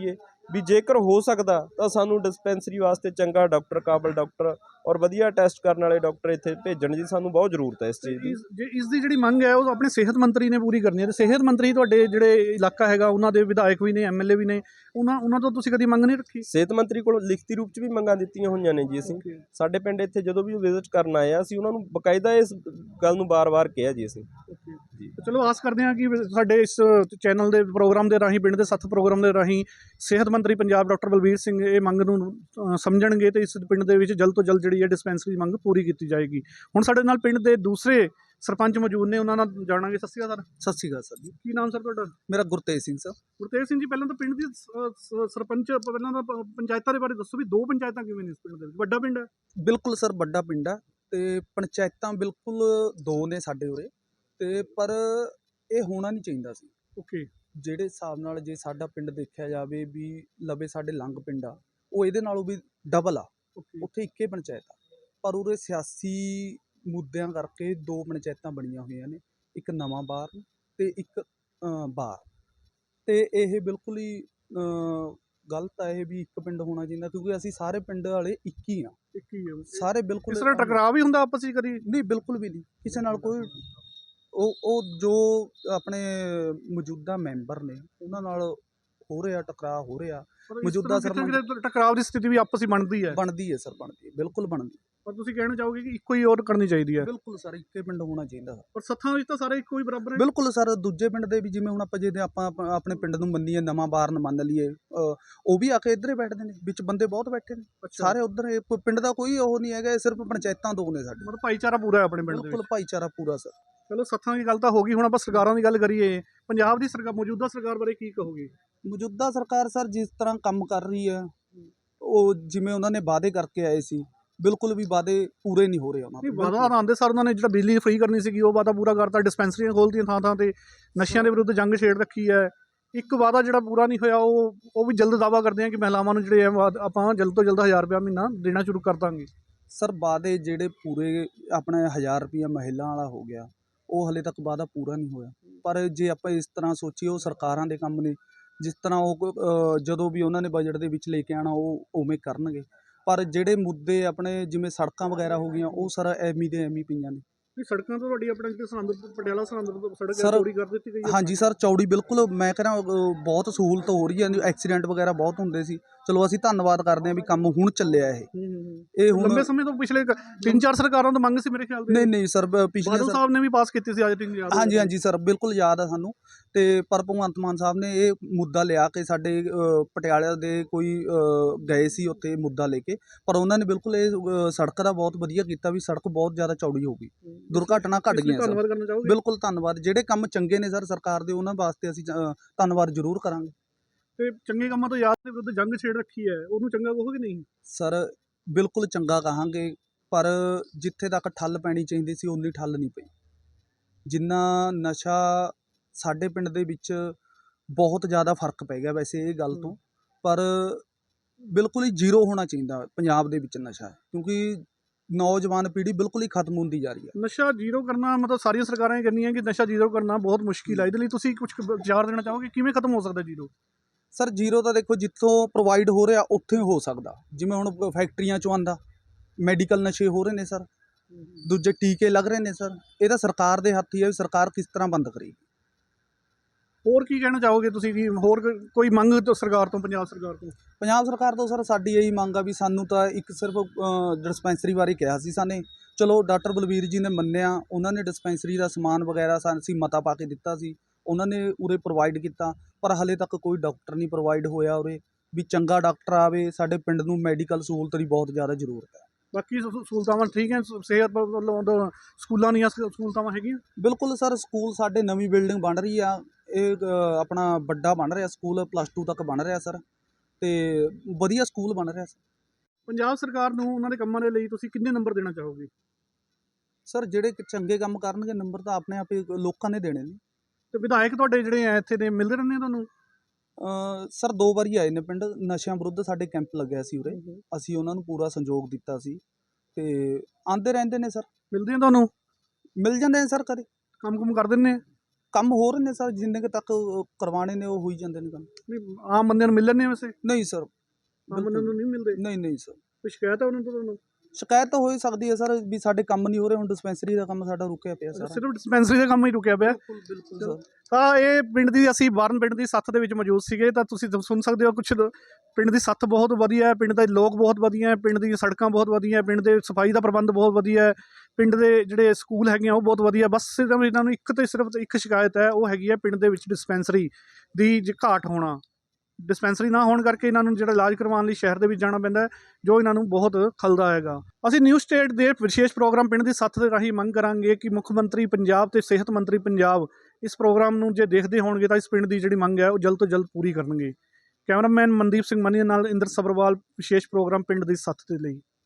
S7: ਵੀ ਜੇਕਰ ਹੋ ਸਕਦਾ ਤਾਂ ਸਾਨੂੰ ਡਿਸਪੈਂਸਰੀ ਵਾਸਤੇ ਚੰਗਾ ਡਾਕਟਰ, ਕਾਬਲ ਡਾਕਟਰ ਔਰ ਵਧੀਆ ਟੈਸਟ ਕਰਨ ਵਾਲੇ ਡਾਕਟਰ ਇੱਥੇ ਭੇਜਣ ਦੀ ਸਾਨੂੰ ਬਹੁਤ ਜ਼ਰੂਰਤ ਹੈ ਇਸ ਚੀਜ਼ ਦੀ।
S1: ਇਸ ਜੇ ਇਸ ਦੀ ਜਿਹੜੀ ਮੰਗ ਹੈ ਉਹ ਆਪਣੇ ਸਿਹਤ ਮੰਤਰੀ ਨੇ ਪੂਰੀ ਕਰਨੀ ਹੈ, ਤੇ ਸਿਹਤ ਮੰਤਰੀ ਤੁਹਾਡੇ ਜਿਹੜੇ ਇਲਾਕਾ ਹੈਗਾ ਉਹਨਾਂ ਦੇ ਵਿਧਾਇਕ ਵੀ ਨੇ, ਐਮ ਐਲ ਏ ਵੀ ਨੇ, ਉਹਨਾਂ ਉਹਨਾਂ ਤੋਂ ਤੁਸੀਂ ਕਦੀ ਮੰਗ ਨਹੀਂ ਰੱਖੀ?
S7: ਸਿਹਤ ਮੰਤਰੀ ਕੋਲ ਲਿਖਤੀ ਰੂਪ 'ਚ ਵੀ ਮੰਗਾਂ ਦਿੱਤੀਆਂ ਹੋਈਆਂ ਨੇ ਜੀ ਅਸੀਂ। ਸਾਡੇ ਪਿੰਡ ਇੱਥੇ ਜਦੋਂ ਵੀ ਵਿਜ਼ਿਟ ਕਰਨ ਆਏ ਆ ਅਸੀਂ ਉਹਨਾਂ ਨੂੰ ਬਕਾਇਦਾ ਇਸ ਗੱਲ ਨੂੰ ਬਾਰ-ਬਾਰ ਕਿਹਾ ਜੀ ਅਸੀਂ। ਜੀ
S1: ਚਲੋ ਆਸ ਕਰਦੇ ਹਾਂ ਕਿ ਸਾਡੇ ਇਸ ਚੈਨਲ ਦੇ ਪ੍ਰੋਗਰਾਮ ਦੇ ਰਾਹੀਂ, ਪਿੰਡ ਦੇ ਸੱਥ ਪ੍ਰੋਗਰਾਮ ਦੇ ਰਾਹੀਂ ਸਿਹਤ ਮੰਤਰੀ ਪੰਜਾਬ ਡਾਕਟਰ ਬਲਬੀਰ ਸਿੰਘ ਇਹ ਮੰਗ ਨੂੰ ਅ, ਸਮਝਣਗੇ ਤੇ ਇਸ ਪਿੰਡ ਦੇ ਵਿੱਚ ਜਲਦ ਤੋਂ ਜਲਦ ਜਿਹੜੀ ਹੈ ਡਿਸਪੈਂਸਰੀ ਦੀ ਮੰਗ ਪੂਰੀ ਕੀਤੀ ਜਾਏਗੀ। ਹੁਣ ਸਾਡੇ ਨਾਲ ਪਿੰਡ ਦੇ ਦੂਸਰੇ ਸਰਪੰਚ ਮੌਜੂਦ ਨੇ, ਉਹਨਾਂ ਨਾਲ ਜਾਣਾਂਗੇ। ਸਤਿ ਸ਼੍ਰੀ ਅਕਾਲ ਸਰ।
S8: ਸਤਿ ਸ਼੍ਰੀ ਅਕਾਲ ਸਰ ਜੀ।
S1: ਕੀ ਨਾਮ ਸਰ ਤੁਹਾਡਾ?
S8: ਮੇਰਾ ਗੁਰਤੇਜ ਸਿੰਘ ਸਰ।
S1: ਗੁਰਤੇਜ ਸਿੰਘ ਜੀ, ਪਹਿਲਾਂ ਤਾਂ ਪਿੰਡ ਦੀ ਸ- ਸ- ਸਰਪੰਚ ਪਹਿਲਾਂ ਤਾਂ ਪ- ਪੰਚਾਇਤਾਂ ਦੇ ਬਾਰੇ ਦੱਸੋ ਵੀ ਦੋ ਪੰਚਾਇਤਾਂ ਕਿਵੇਂ ਨੇ ਇਸ ਪਿੰਡ ਦੇ ਵਿੱਚ? ਵੱਡਾ ਪਿੰਡ ਹੈ?
S8: ਬਿਲਕੁਲ ਸਰ, ਵੱਡਾ ਪਿੰਡ ਆ ਤੇ ਪੰਚਾਇਤਾਂ ਬਿਲਕੁਲ ਦੋ ਨੇ ਸਾਡੇ ਉਰੇ, ਤੇ ਪਰ ਇਹ ਹੋਣਾ ਨਹੀਂ ਚਾਹੀਦਾ ਸੀ।
S1: ਓਕੇ।
S8: ਜਿਹੜੇ ਹਿਸਾਬ ਨਾਲ ਜੇ ਸਾਡਾ ਪਿੰਡ ਦੇਖਿਆ ਜਾਵੇ ਵੀ ਲਵੇ ਸਾਡੇ ਲੰਗ ਪਿੰਡ ਆ, ਉਹ ਇਹਦੇ ਨਾਲੋਂ ਵੀ ਡਬਲ ਆ।
S1: ਓਕੇ।
S8: ਉੱਥੇ ਇੱਕੇ ਪੰਚਾਇਤ ਆ, ਪਰ ਉਰੇ ਸਿਆਸੀ ਮੁੱਦਿਆਂ ਕਰਕੇ ਦੋ ਪੰਚਾਇਤਾਂ ਬਣੀਆਂ ਹੋਈਆਂ ਨੇ, ਇੱਕ ਨਵਾਂ ਬਾਰ ਤੇ ਇੱਕ ਅ, ਬਾਰ। ਤੇ ਇਹ ਬਿਲਕੁਲ ਹੀ ਅ, ਗਲਤ ਆ ਇਹ ਵੀ ਇੱਕ ਪਿੰਡ ਹੋਣਾ ਚਾਹੀਦਾ, ਕਿਉਂਕਿ ਅਸੀਂ ਸਾਰੇ ਪਿੰਡ ਵਾਲੇ ਇੱਕ ਹੀ ਆ,
S1: ਇੱਕ ਹੀ ਹੈ।
S8: ਸਾਰੇ ਬਿਲਕੁਲ।
S1: ਇਸ ਤਰ੍ਹਾਂ ਟਕਰਾਅ ਵੀ ਹੁੰਦਾ ਆਪਸ ਵਿੱਚ ਕਦੀ?
S8: ਨਹੀਂ, ਬਿਲਕੁਲ ਵੀ ਨਹੀਂ, ਕਿਸੇ ਨਾਲ ਕੋਈ। ਉਹ ਉਹ ਜੋ ਆਪਣੇ ਮੌਜੂਦਾ ਮੈਂਬਰ ਨੇ ਉਹਨਾਂ ਨਾਲ ਹੋ ਰਿਹਾ ਟਕਰਾਅ, ਹੋ ਰਿਹਾ
S1: ਪਰ ਇਸ
S8: ਮੌਜੂਦਾ
S1: ਤਰ੍ਹਾਂ ਕਿਤੇ
S8: ਸਰਪੰਚ-
S1: ਕਿਤੇ ਟਕਰਾਅ ਦੀ ਸਥਿਤੀ ਵੀ ਆਪਸ ਵਿੱਚ ਬਣਦੀ ਹੈ।
S8: ਬਣਦੀ ਹੈ ਸਰ, ਬਣਦੀ ਹੈ, ਬਿਲਕੁਲ ਬਣਦੀ ਹੈ।
S1: ਪਰ ਤੁਸੀਂ ਕਹਿਣਾ ਚਾਹੋਗੇ ਕਿ ਇੱਕੋ ਹੀ ਔਰ ਕਰਨੀ ਚਾਹੀਦੀ ਹੈ?
S8: ਬਿਲਕੁਲ ਸਰ, ਇੱਕੇ ਪਿੰਡ ਹੋਣਾ ਚਾਹੀਦਾ ਸਰ।
S1: ਪਰ ਸੱਥਾਂ ਵਿੱਚ ਤਾਂ ਸਾਰੇ ਇੱਕੋ ਹੀ ਬਰਾਬਰ ਹੈ।
S8: ਬਿਲਕੁਲ ਸਰ, ਦੂਜੇ ਪਿੰਡ ਦੇ ਵੀ ਜਿਵੇਂ ਹੁਣ ਆਪਾਂ ਜੇ ਆਪਾਂ ਆਪ- ਆਪਣੇ ਪਿੰਡ ਨੂੰ ਮੰਨੀਏ, ਨਵਾਂ ਬਾਰਨ ਮੰਨ ਲਈਏ, ਅ, ਉਹ ਵੀ ਆ ਕੇ ਇੱਧਰ ਹੀ ਬੈਠਦੇ ਨੇ, ਵਿੱਚ ਬੰਦੇ ਬਹੁਤ ਬੈਠੇ ਨੇ ਸਾਰੇ ਉੱਧਰ। ਇਹ ਕੋਈ ਪਿੰਡ ਦਾ ਕੋਈ ਉਹ ਨਹੀਂ ਹੈਗਾ, ਇਹ ਸਿਰਫ ਪੰਚਾਇਤਾਂ ਦੋ ਨੇ ਸਾਡੇ।
S1: ਮਤਲਬ ਭਾਈਚਾਰਾ ਪੂਰਾ ਹੈ ਆਪਣੇ ਪਿੰਡ ਦੇ
S8: ਬਿਲਕੁਲ
S1: ਵਿੱਚ।
S8: ਭਾਈਚਾਰਾ ਪੂਰਾ ਸਰ।
S1: ਚਲੋ ਸੱਥਾਂ ਦੀ ਗੱਲ ਤਾਂ ਹੋ ਗਈ, ਹੁਣ ਆਪਾਂ ਸਰਕਾਰਾਂ ਦੀ ਗੱਲ ਕਰੀਏ। ਪੰਜਾਬ ਦੀ ਸਰਕਾਰ, ਮੌਜੂਦਾ ਸਰਕਾਰ ਬਾਰੇ ਕੀ ਕਹੋਗੇ?
S8: ਮੌਜੂਦਾ ਸਰਕਾਰ ਸਰ ਜਿਸ ਤਰ੍ਹਾਂ ਕੰਮ ਕਰ ਰਹੀ ਹੈ, ਉਹ ਜਿਵੇਂ ਉਹਨਾਂ ਨੇ ਵਾਅਦੇ ਕਰਕੇ ਆਏ ਸੀ, ਬਿਲਕੁਲ ਵੀ ਵਾਅਦੇ ਪੂਰੇ ਨਹੀਂ ਹੋ ਰਹੇ ਉਹਨਾਂ
S1: ਨਹੀਂ,
S8: ਦੇ।
S1: ਵਾਅਦਾ ਆਉਂਦੇ ਸਰ ਉਹਨਾਂ ਨੇ ਜਿਹੜਾ ਬਿਜਲੀ ਫ੍ਰੀ ਕਰਨੀ ਸੀਗੀ ਉਹ ਵਾਅਦਾ ਪੂਰਾ ਕਰਤਾ, ਡਿਸਪੈਂਸਰੀਆਂ ਖੋਲ੍ਹਤੀਆਂ ਥਾਂ ਥਾਂ ਤੇ, ਨਸ਼ਿਆਂ ਦੇ ਵਿਰੁੱਧ ਜੰਗ ਛੇੜ ਰੱਖੀ ਹੈ। ਇੱਕ ਵਾਅਦਾ ਜਿਹੜਾ ਪੂਰਾ ਨਹੀਂ ਹੋਇਆ ਉਹ ਉਹ ਵੀ ਜਲਦ ਦਾਅਵਾ ਕਰਦੇ ਆ ਕਿ ਮਹਿਲਾਵਾਂ ਨੂੰ ਜਿਹੜੇ ਆ ਵਾਅਦ- ਆਪਾਂ ਜਲਦ ਤੋਂ ਜਲਦ ਹਜ਼ਾਰ ਰੁਪਇਆ ਮਹੀਨਾ ਦੇਣਾ ਸ਼ੁਰੂ ਕਰ ਦਾਂਗੇ।
S8: ਸਰ ਵਾਅਦੇ ਜਿਹੜੇ ਪੂਰੇ ਆਪਣੇ ਹਜ਼ਾਰ ਰੁਪਈਆ ਮਹਿਲਾ ਵਾਲਾ ਹੋ ਗਿਆ, ਉਹ ਹਲੇ ਤੱਕ ਵਾਅਦਾ ਪੂਰਾ ਨਹੀਂ ਹੋਇਆ। ਪਰ ਜੇ ਆਪਾਂ ਇਸ ਤਰ੍ਹਾਂ ਸੋਚੀਏ, ਉਹ ਸਰਕਾਰਾਂ ਦੇ ਕੰਮ ਨੇ, ਜਿਸ ਤਰ੍ਹਾਂ ਉਹ ਅ, ਜਦੋਂ ਵੀ ਉਹਨਾਂ ਨੇ ਬਜਟ ਦੇ ਵਿੱਚ ਲੈ ਕੇ ਆਉਣਾ ਉਹ ਉਵੇਂ ਕਰਨਗੇ। ਪਰ ਜਿਹੜੇ ਮੁੱਦੇ ਆਪਣੇ ਜਿਵੇਂ ਸੜਕਾਂ ਵਗੈਰਾ ਹੋ ਗਈਆਂ, ਉਹ ਸਰ ਐਵੇਂ ਦੇ ਐਵੇਂ ਪਈਆਂ ਨੇ।
S1: ਨਹੀਂ, ਸੜਕਾਂ ਤੋਂ ਤੁਹਾਡੀ ਆਪਣਾ ਜਿਹੜੇ ਸਰਹੰਦ ਪਟਿਆਲਾ ਸਰਹੰਦ ਤੋਂ ਸੜਕ ਹੈ
S8: ਸਰ,
S1: ਚੌੜੀ ਕਰ ਦਿੱਤੀ ਗਈ ਹੈ।
S8: ਹਾਂਜੀ ਸਰ, ਚੌੜੀ ਬਿਲਕੁਲ। ਮੈਂ ਕਹਿੰਦਾ ਬਹੁਤ ਸਹੂਲਤ ਹੋ ਰਹੀ ਹੈ, ਐਕਸੀਡੈਂਟ ਵਗੈਰਾ ਬਹੁਤ ਹੁੰਦੇ ਸੀ। ਚਲੋ ਅਸੀਂ ਧੰਨਵਾਦ ਕਰਦੇ ਹਾਂ ਵੀ ਕੰਮ ਹੁਣ ਚੱਲਿਆ ਇਹ
S1: ਹੂੰ, ਹੂੰ, ਹੂੰ।
S8: ਇਹ ਹੁਣ
S1: ਲੰਬੇ ਸਮੇਂ ਤੋਂ ਪਿਛਲੇ ਕ- ਤਿੰਨ ਚਾਰ ਸਰਕਾਰਾਂ ਤੋਂ ਮੰਗ ਸੀ ਮੇਰੇ ਖਿਆਲ
S8: ਨਹੀਂ
S1: ਦੇ।
S8: ਨਹੀਂ ਸਰ, ਬ- ਪਿਛਲੇ
S1: ਬਾਦਲ
S8: ਸਰ
S1: ਸਾਹਿਬ ਨੇ ਵੀ ਪਾਸ ਕੀਤੀ ਸੀ ਅੱਜ ਤਿੰਨ ਯਾਦ ਹੋਊ।
S8: ਹਾਂਜੀ ਹਾਂਜੀ ਸਰ, ਬਿਲਕੁਲ ਯਾਦ ਆ ਸਾਨੂੰ। ਤੇ ਪਰ ਭਗਵੰਤ ਮਾਨ ਸਾਹਿਬ ਨੇ ਇਹ ਮੁੱਦਾ ਲਿਆ ਕੇ ਸਾਡੇ ਅ, ਪਟਿਆਲੇ ਦੇ ਕੋਈ ਅ, ਗਏ ਸੀ ਉੱਥੇ ਮੁੱਦਾ ਲੈ ਕੇ, ਪਰ ਉਹਨਾਂ ਨੇ ਬਿਲਕੁਲ ਇਹ ਅ, ਸੜਕ ਦਾ ਬਹੁਤ ਵਧੀਆ ਕੀਤਾ ਵੀ ਸੜਕ ਬਹੁਤ ਜ਼ਿਆਦਾ ਚੌੜੀ ਹੋ ਗਈ, ਦੁਰਘਟਨਾ ਘਟ
S1: ਇਸ ਲਈ
S8: ਗਈਆਂ ਸਰ।
S1: ਧੰਨਵਾਦ ਕਰਨਾ ਚਾਹੋਗੇ?
S8: ਬਿਲਕੁਲ ਧੰਨਵਾਦ। ਜਿਹੜੇ ਕੰਮ ਚੰਗੇ ਨੇ ਸਰ ਸਰਕਾਰ ਦੇ, ਉਹਨਾਂ ਵਾਸਤੇ ਅਸੀਂ ਅ, ਧੰਨਵਾਦ ਜ਼ਰੂਰ ਕਰਾਂਗੇ।
S1: ਤੇ ਚੰਗੇ ਕੰਮਾਂ ਤੋਂ ਯਾਦ ਦੇ ਵਿਰੁੱਧ ਜੰਗ ਛੇੜ ਰੱਖੀ ਹੈ, ਉਹਨੂੰ ਚੰਗਾ ਕਹੋਗੇ ਨਹੀਂ?
S8: ਸਰ ਬਿਲਕੁਲ ਚੰਗਾ ਕਹਾਂਗੇ, ਪਰ ਜਿੱਥੇ ਤੱਕ ਠੱਲ ਪੈਣੀ ਚਾਹੀਦੀ ਸੀ ਉਨੀ ਠੱਲ ਨਹੀਂ ਪਈ। ਜਿੰਨਾ ਨਸ਼ਾ ਸਾਡੇ ਪਿੰਡ ਦੇ ਵਿੱਚ ਬਹੁਤ ਜ਼ਿਆਦਾ ਫਰਕ ਪੈ ਗਿਆ ਵੈਸੇ ਇਹ ਗੱਲ ਤੋਂ, ਪਰ ਬਿਲਕੁਲ ਹੀ ਜ਼ੀਰੋ ਹੋਣਾ ਚਾਹੀਦਾ ਪੰਜਾਬ ਦੇ ਵਿੱਚ ਨਸ਼ਾ, ਕਿਉਂਕਿ ਨੌਜਵਾਨ ਪੀੜ੍ਹੀ ਬਿਲਕੁਲ ਹੀ ਖਤਮ ਹੁੰਦੀ ਜਾ ਰਹੀ ਹੈ।
S1: ਨਸ਼ਾ ਜ਼ੀਰੋ ਕਰਨਾ ਮਤਲਬ ਸਾਰੀਆਂ ਸਰਕਾਰਾਂ ਇਹ ਕਹਿੰਦੀਆਂ ਕਿ ਨਸ਼ਾ ਜ਼ੀਰੋ ਕਰਨਾ ਬਹੁਤ ਮੁਸ਼ਕਿਲ ਹੈ। ਇਹਦੇ ਲਈ ਤੁਸੀਂ ਕੁਝ ਵਿਚਾਰ ਦੇਣਾ ਚਾਹੋਗੇ ਕਿਵੇਂ ਖਤਮ ਹੋ ਸਕਦਾ ਜ਼ੀਰੋ?
S8: ਸਰ ਜ਼ੀਰੋ ਤਾਂ ਦੇਖੋ ਜਿੱਥੋਂ ਪ੍ਰੋਵਾਈਡ ਹੋ ਰਿਹਾ ਉੱਥੇ ਹੋ ਸਕਦਾ, ਜਿਵੇਂ ਹੁਣ ਫੈਕਟਰੀਆਂ 'ਚੋਂ ਆਉਂਦਾ, ਮੈਡੀਕਲ ਨਸ਼ੇ ਹੋ ਰਹੇ ਨੇ ਸਰ, ਦੂਜੇ ਟੀਕੇ ਲੱਗ ਰਹੇ ਨੇ ਸਰ। ਇਹ ਤਾਂ ਸਰਕਾਰ ਦੇ ਹੱਥ ਹੀ ਹੈ ਵੀ ਸਰਕਾਰ ਕਿਸ ਤਰ੍ਹਾਂ ਬੰਦ ਕਰੇਗੀ।
S1: ਹੋਰ ਕੀ ਕਹਿਣਾ ਚਾਹੋਗੇ ਤੁਸੀਂ ਕਿ ਹੋਰ ਕ- ਕੋਈ ਮੰਗ ਤੋਂ ਸਰਕਾਰ ਤੋਂ, ਪੰਜਾਬ ਸਰਕਾਰ ਤੋਂ?
S8: ਪੰਜਾਬ ਸਰਕਾਰ ਤੋਂ ਸਰ ਸਾਡੀ ਇਹੀ ਮੰਗ ਆ ਵੀ ਸਾਨੂੰ ਤਾਂ ਇੱਕ ਸਿਰਫ ਡਿਸਪੈਂਸਰੀ ਬਾਰੇ ਕਿਹਾ ਸੀ ਸਾਨੇ, ਚਲੋ ਡਾਕਟਰ ਬਲਬੀਰ ਜੀ ਨੇ ਮੰਨਿਆ, ਉਹਨਾਂ ਨੇ ਡਿਸਪੈਂਸਰੀ ਦਾ ਸਮਾਨ ਵਗੈਰਾ ਸਾਨੂੰ ਅਸੀਂ ਮਤਾ ਪਾ ਕੇ ਦਿੱਤਾ ਸੀ, ਉਹਨਾਂ ਨੇ ਉਰੇ ਪ੍ਰੋਵਾਈਡ ਕੀਤਾ, ਪਰ ਹਲੇ ਤੱਕ ਕੋਈ ਡਾਕਟਰ ਨਹੀਂ ਪ੍ਰੋਵਾਈਡ ਹੋਇਆ ਉਰੇ ਵੀ ਚੰਗਾ ਡਾਕਟਰ ਆਵੇ। ਸਾਡੇ ਪਿੰਡ ਨੂੰ ਮੈਡੀਕਲ ਸਹੂਲਤ ਦੀ ਬਹੁਤ ਜ਼ਿਆਦਾ ਜ਼ਰੂਰਤ ਹੈ।
S1: ਬਾਕੀ ਸਹੂ- ਸਹੂਲਤਾਵਾਂ ਠੀਕ ਹੈ? ਸ- ਸਿਹਤ ਵੱਲੋਂ ਤਾਂ ਸਕੂਲਾਂ ਦੀਆਂ ਸ- ਸਹੂਲਤਾਵਾਂ ਹੈਗੀਆਂ?
S8: ਬਿਲਕੁਲ ਸਰ, ਸਕੂਲ ਸਾਡੇ ਨਵੀਂ ਬਿਲਡਿੰਗ ਬਣ ਰਹੀ ਆ, ਇਹ ਅ, ਆਪਣਾ ਵੱਡਾ ਬਣ ਰਿਹਾ ਸਕੂਲ, ਪਲੱਸ ਟੂ ਤੱਕ ਬਣ ਰਿਹਾ ਸਰ, ਤੇ ਵਧੀਆ ਸਕੂਲ ਬਣ ਰਿਹਾ ਸਰ।
S1: ਪੰਜਾਬ ਸਰਕਾਰ ਨੂੰ ਉਹਨਾਂ ਦੇ ਕੰਮਾਂ ਦੇ ਲਈ ਤੁਸੀਂ ਕਿੰਨੇ ਨੰਬਰ ਦੇਣਾ ਚਾਹੋਗੇ?
S8: ਸਰ ਜਿਹੜੇ ਕਿ ਚੰਗੇ ਕੰਮ ਕਰਨਗੇ ਨੰਬਰ ਤਾਂ ਆਪਣੇ ਆਪ ਹੀ ਲੋਕਾਂ ਨੇ ਦੇਣੇ ਨੇ।
S1: ਤੇ ਵਿਧਾਇਕ ਤੁਹਾਡੇ ਜਿਹੜੇ ਆ ਇੱਥੇ ਦੇ ਮਿਲਦੇ ਰਹਿੰਦੇ ਆ ਤੁਹਾਨੂੰ?
S8: ਅ, ਸਰ ਦੋ ਵਾਰੀ ਆਏ ਨੇ ਪਿੰਡ, ਨਸ਼ਿਆਂ ਵਿਰੁੱਧ ਸਾਡੇ ਕੈਂਪ ਲੱਗਿਆ ਸੀ ਉਰੇ, ਅਸੀਂ ਉਹਨਾਂ ਨੂੰ ਪੂਰਾ ਸੰਯੋਗ ਦਿੱਤਾ ਸੀ ਤੇ ਆਂਦੇ ਰਹਿੰਦੇ ਨੇ ਸਰ।
S1: ਮਿਲਦੇ ਆ ਤੁਹਾਨੂੰ?
S8: ਮਿਲ ਜਾਂਦੇ ਨੇ ਸਰ ਕਦੇ।
S1: ਕੰਮ ਕੁਮ ਕਰ ਦਿੰਦੇ ਆ?
S8: ਕੰਮ ਹੋ ਰਹੇ ਨੇ ਸਰ, ਜਿੰਨੇ ਕੁ ਤੱਕ ਅ, ਕਰਵਾਉਣੇ ਨੇ ਉਹ ਹੋਈ ਜਾਂਦੇ ਨੇ ਕੰਮ।
S1: ਨਹੀਂ, ਆਮ ਬੰਦਿਆਂ ਨੂੰ ਮਿਲਣ ਨਹੀਂ ਵੈਸੇ,
S8: ਨਹੀਂ ਸਰ,
S1: ਆਮ ਬੰਦਿਆਂ ਨੂੰ ਨਹੀਂ ਮਿਲਦੇ।
S8: ਨਹੀਂ ਨਹੀਂ ਸਰ,
S1: ਕੋਈ ਸ਼ਿਕਾਇਤ ਹੈ ਉਹਨਾਂ ਤੋਂ ਤੁਹਾਨੂੰ?
S8: ਸ਼ਿਕਾਇਤ ਤਾਂ ਹੋ ਹੀ ਸਕਦੀ ਹੈ ਸਰ ਵੀ ਸਾਡੇ ਕੰਮ ਨਹੀਂ ਹੋ ਰਹੇ, ਹੁਣ ਡਿਸਪੈਂਸਰੀ ਦਾ ਕੰਮ ਸਾਡਾ ਰੁਕਿਆ ਪਿਆ ਸਾਰਾ।
S1: ਸਿਰਫ ਡਿਸਪੈਂਸਰੀ ਦਾ ਕੰਮ ਹੀ ਰੁਕਿਆ ਪਿਆ।
S8: ਬਿਲਕੁਲ ਸਰ।
S1: ਤਾਂ ਇਹ ਪਿੰਡ ਦੀ, ਅਸੀਂ ਬਾਰਨ ਪਿੰਡ ਦੀ ਸੱਥ ਦੇ ਵਿੱਚ ਮੌਜੂਦ ਸੀਗੇ, ਤਾਂ ਤੁਸੀਂ ਸੁਣ ਸਕਦੇ ਹੋ ਕੁਛ ਪਿੰਡ ਦੀ ਸੱਥ ਬਹੁਤ ਵਧੀਆ ਹੈ, ਪਿੰਡ ਦੇ ਲੋਕ ਬਹੁਤ ਵਧੀਆ ਹੈ, ਪਿੰਡ ਦੀਆਂ ਸੜਕਾਂ ਬਹੁਤ ਵਧੀਆ ਹੈ, ਪਿੰਡ ਦੇ ਸਫਾਈ ਦਾ ਪ੍ਰਬੰਧ ਬਹੁਤ ਵਧੀਆ ਹੈ, ਪਿੰਡ ਦੇ ਜਿਹੜੇ ਸਕੂਲ ਹੈਗੇ ਆ ਉਹ ਬਹੁਤ ਵਧੀਆ। ਬਸ ਸਿਰਫ ਇਹਨਾਂ ਨੂੰ ਇੱਕ ਤੇ ਸਿਰਫ ਇੱਕ ਸ਼ਿਕਾਇਤ ਹੈ, ਉਹ ਹੈਗੀ ਹੈ ਪਿੰਡ ਦੇ ਵਿੱਚ ਡਿਸਪੈਂਸਰੀ ਦੀ ਜ- ਘਾਟ ਹੋਣਾ। ਡਿਸਪੈਂਸਰੀ ਨਾ ਹੋਣ ਕਰਕੇ ਇਹਨਾਂ ਨੂੰ ਜਿਹੜਾ ਇਲਾਜ ਕਰਵਾਉਣ ਲਈ ਸ਼ਹਿਰ ਦੇ ਵਿੱਚ ਜਾਣਾ ਪੈਂਦਾ ਹੈ, ਜੋ ਇਹਨਾਂ ਨੂੰ ਬਹੁਤ ਖਲਦਾ ਹੈਗਾ। ਅਸੀਂ ਨਿਊ ਸਟੇਟ ਦੇ ਵਿਸ਼ੇਸ਼ ਪ੍ਰੋਗਰਾਮ ਪਿੰਡ ਦੀ ਸੱਥ ਦੇ ਰਾਹੀਂ ਮੰਗ ਕਰਾਂਗੇ ਕਿ ਮੁੱਖ ਮੰਤਰੀ ਪੰਜਾਬ ਤੇ ਸਿਹਤ ਮੰਤਰੀ ਪੰਜਾਬ ਇਸ ਪ੍ਰੋਗਰਾਮ ਨੂੰ ਜੇ ਦੇਖਦੇ ਹੋਣਗੇ ਤਾਂ ਇਸ ਪਿੰਡ ਦੀ ਜਿਹੜੀ ਮੰਗ ਹੈ ਉਹ ਜਲਦ ਤੋਂ ਜਲਦ ਪੂਰੀ ਕਰਨਗੇ। ਕੈਮਰਾਮੈਨ ਮਨਦੀਪ ਸਿੰਘ ਮਨੀ ਨਾਲ ਇੰਦਰ ਸਬਰਵਾਲ, ਵਿਸ਼ੇਸ਼ ਪ੍ਰੋਗਰਾਮ ਪਿੰਡ ਦੀ ਸੱਥ ਦੇ ਲਈ।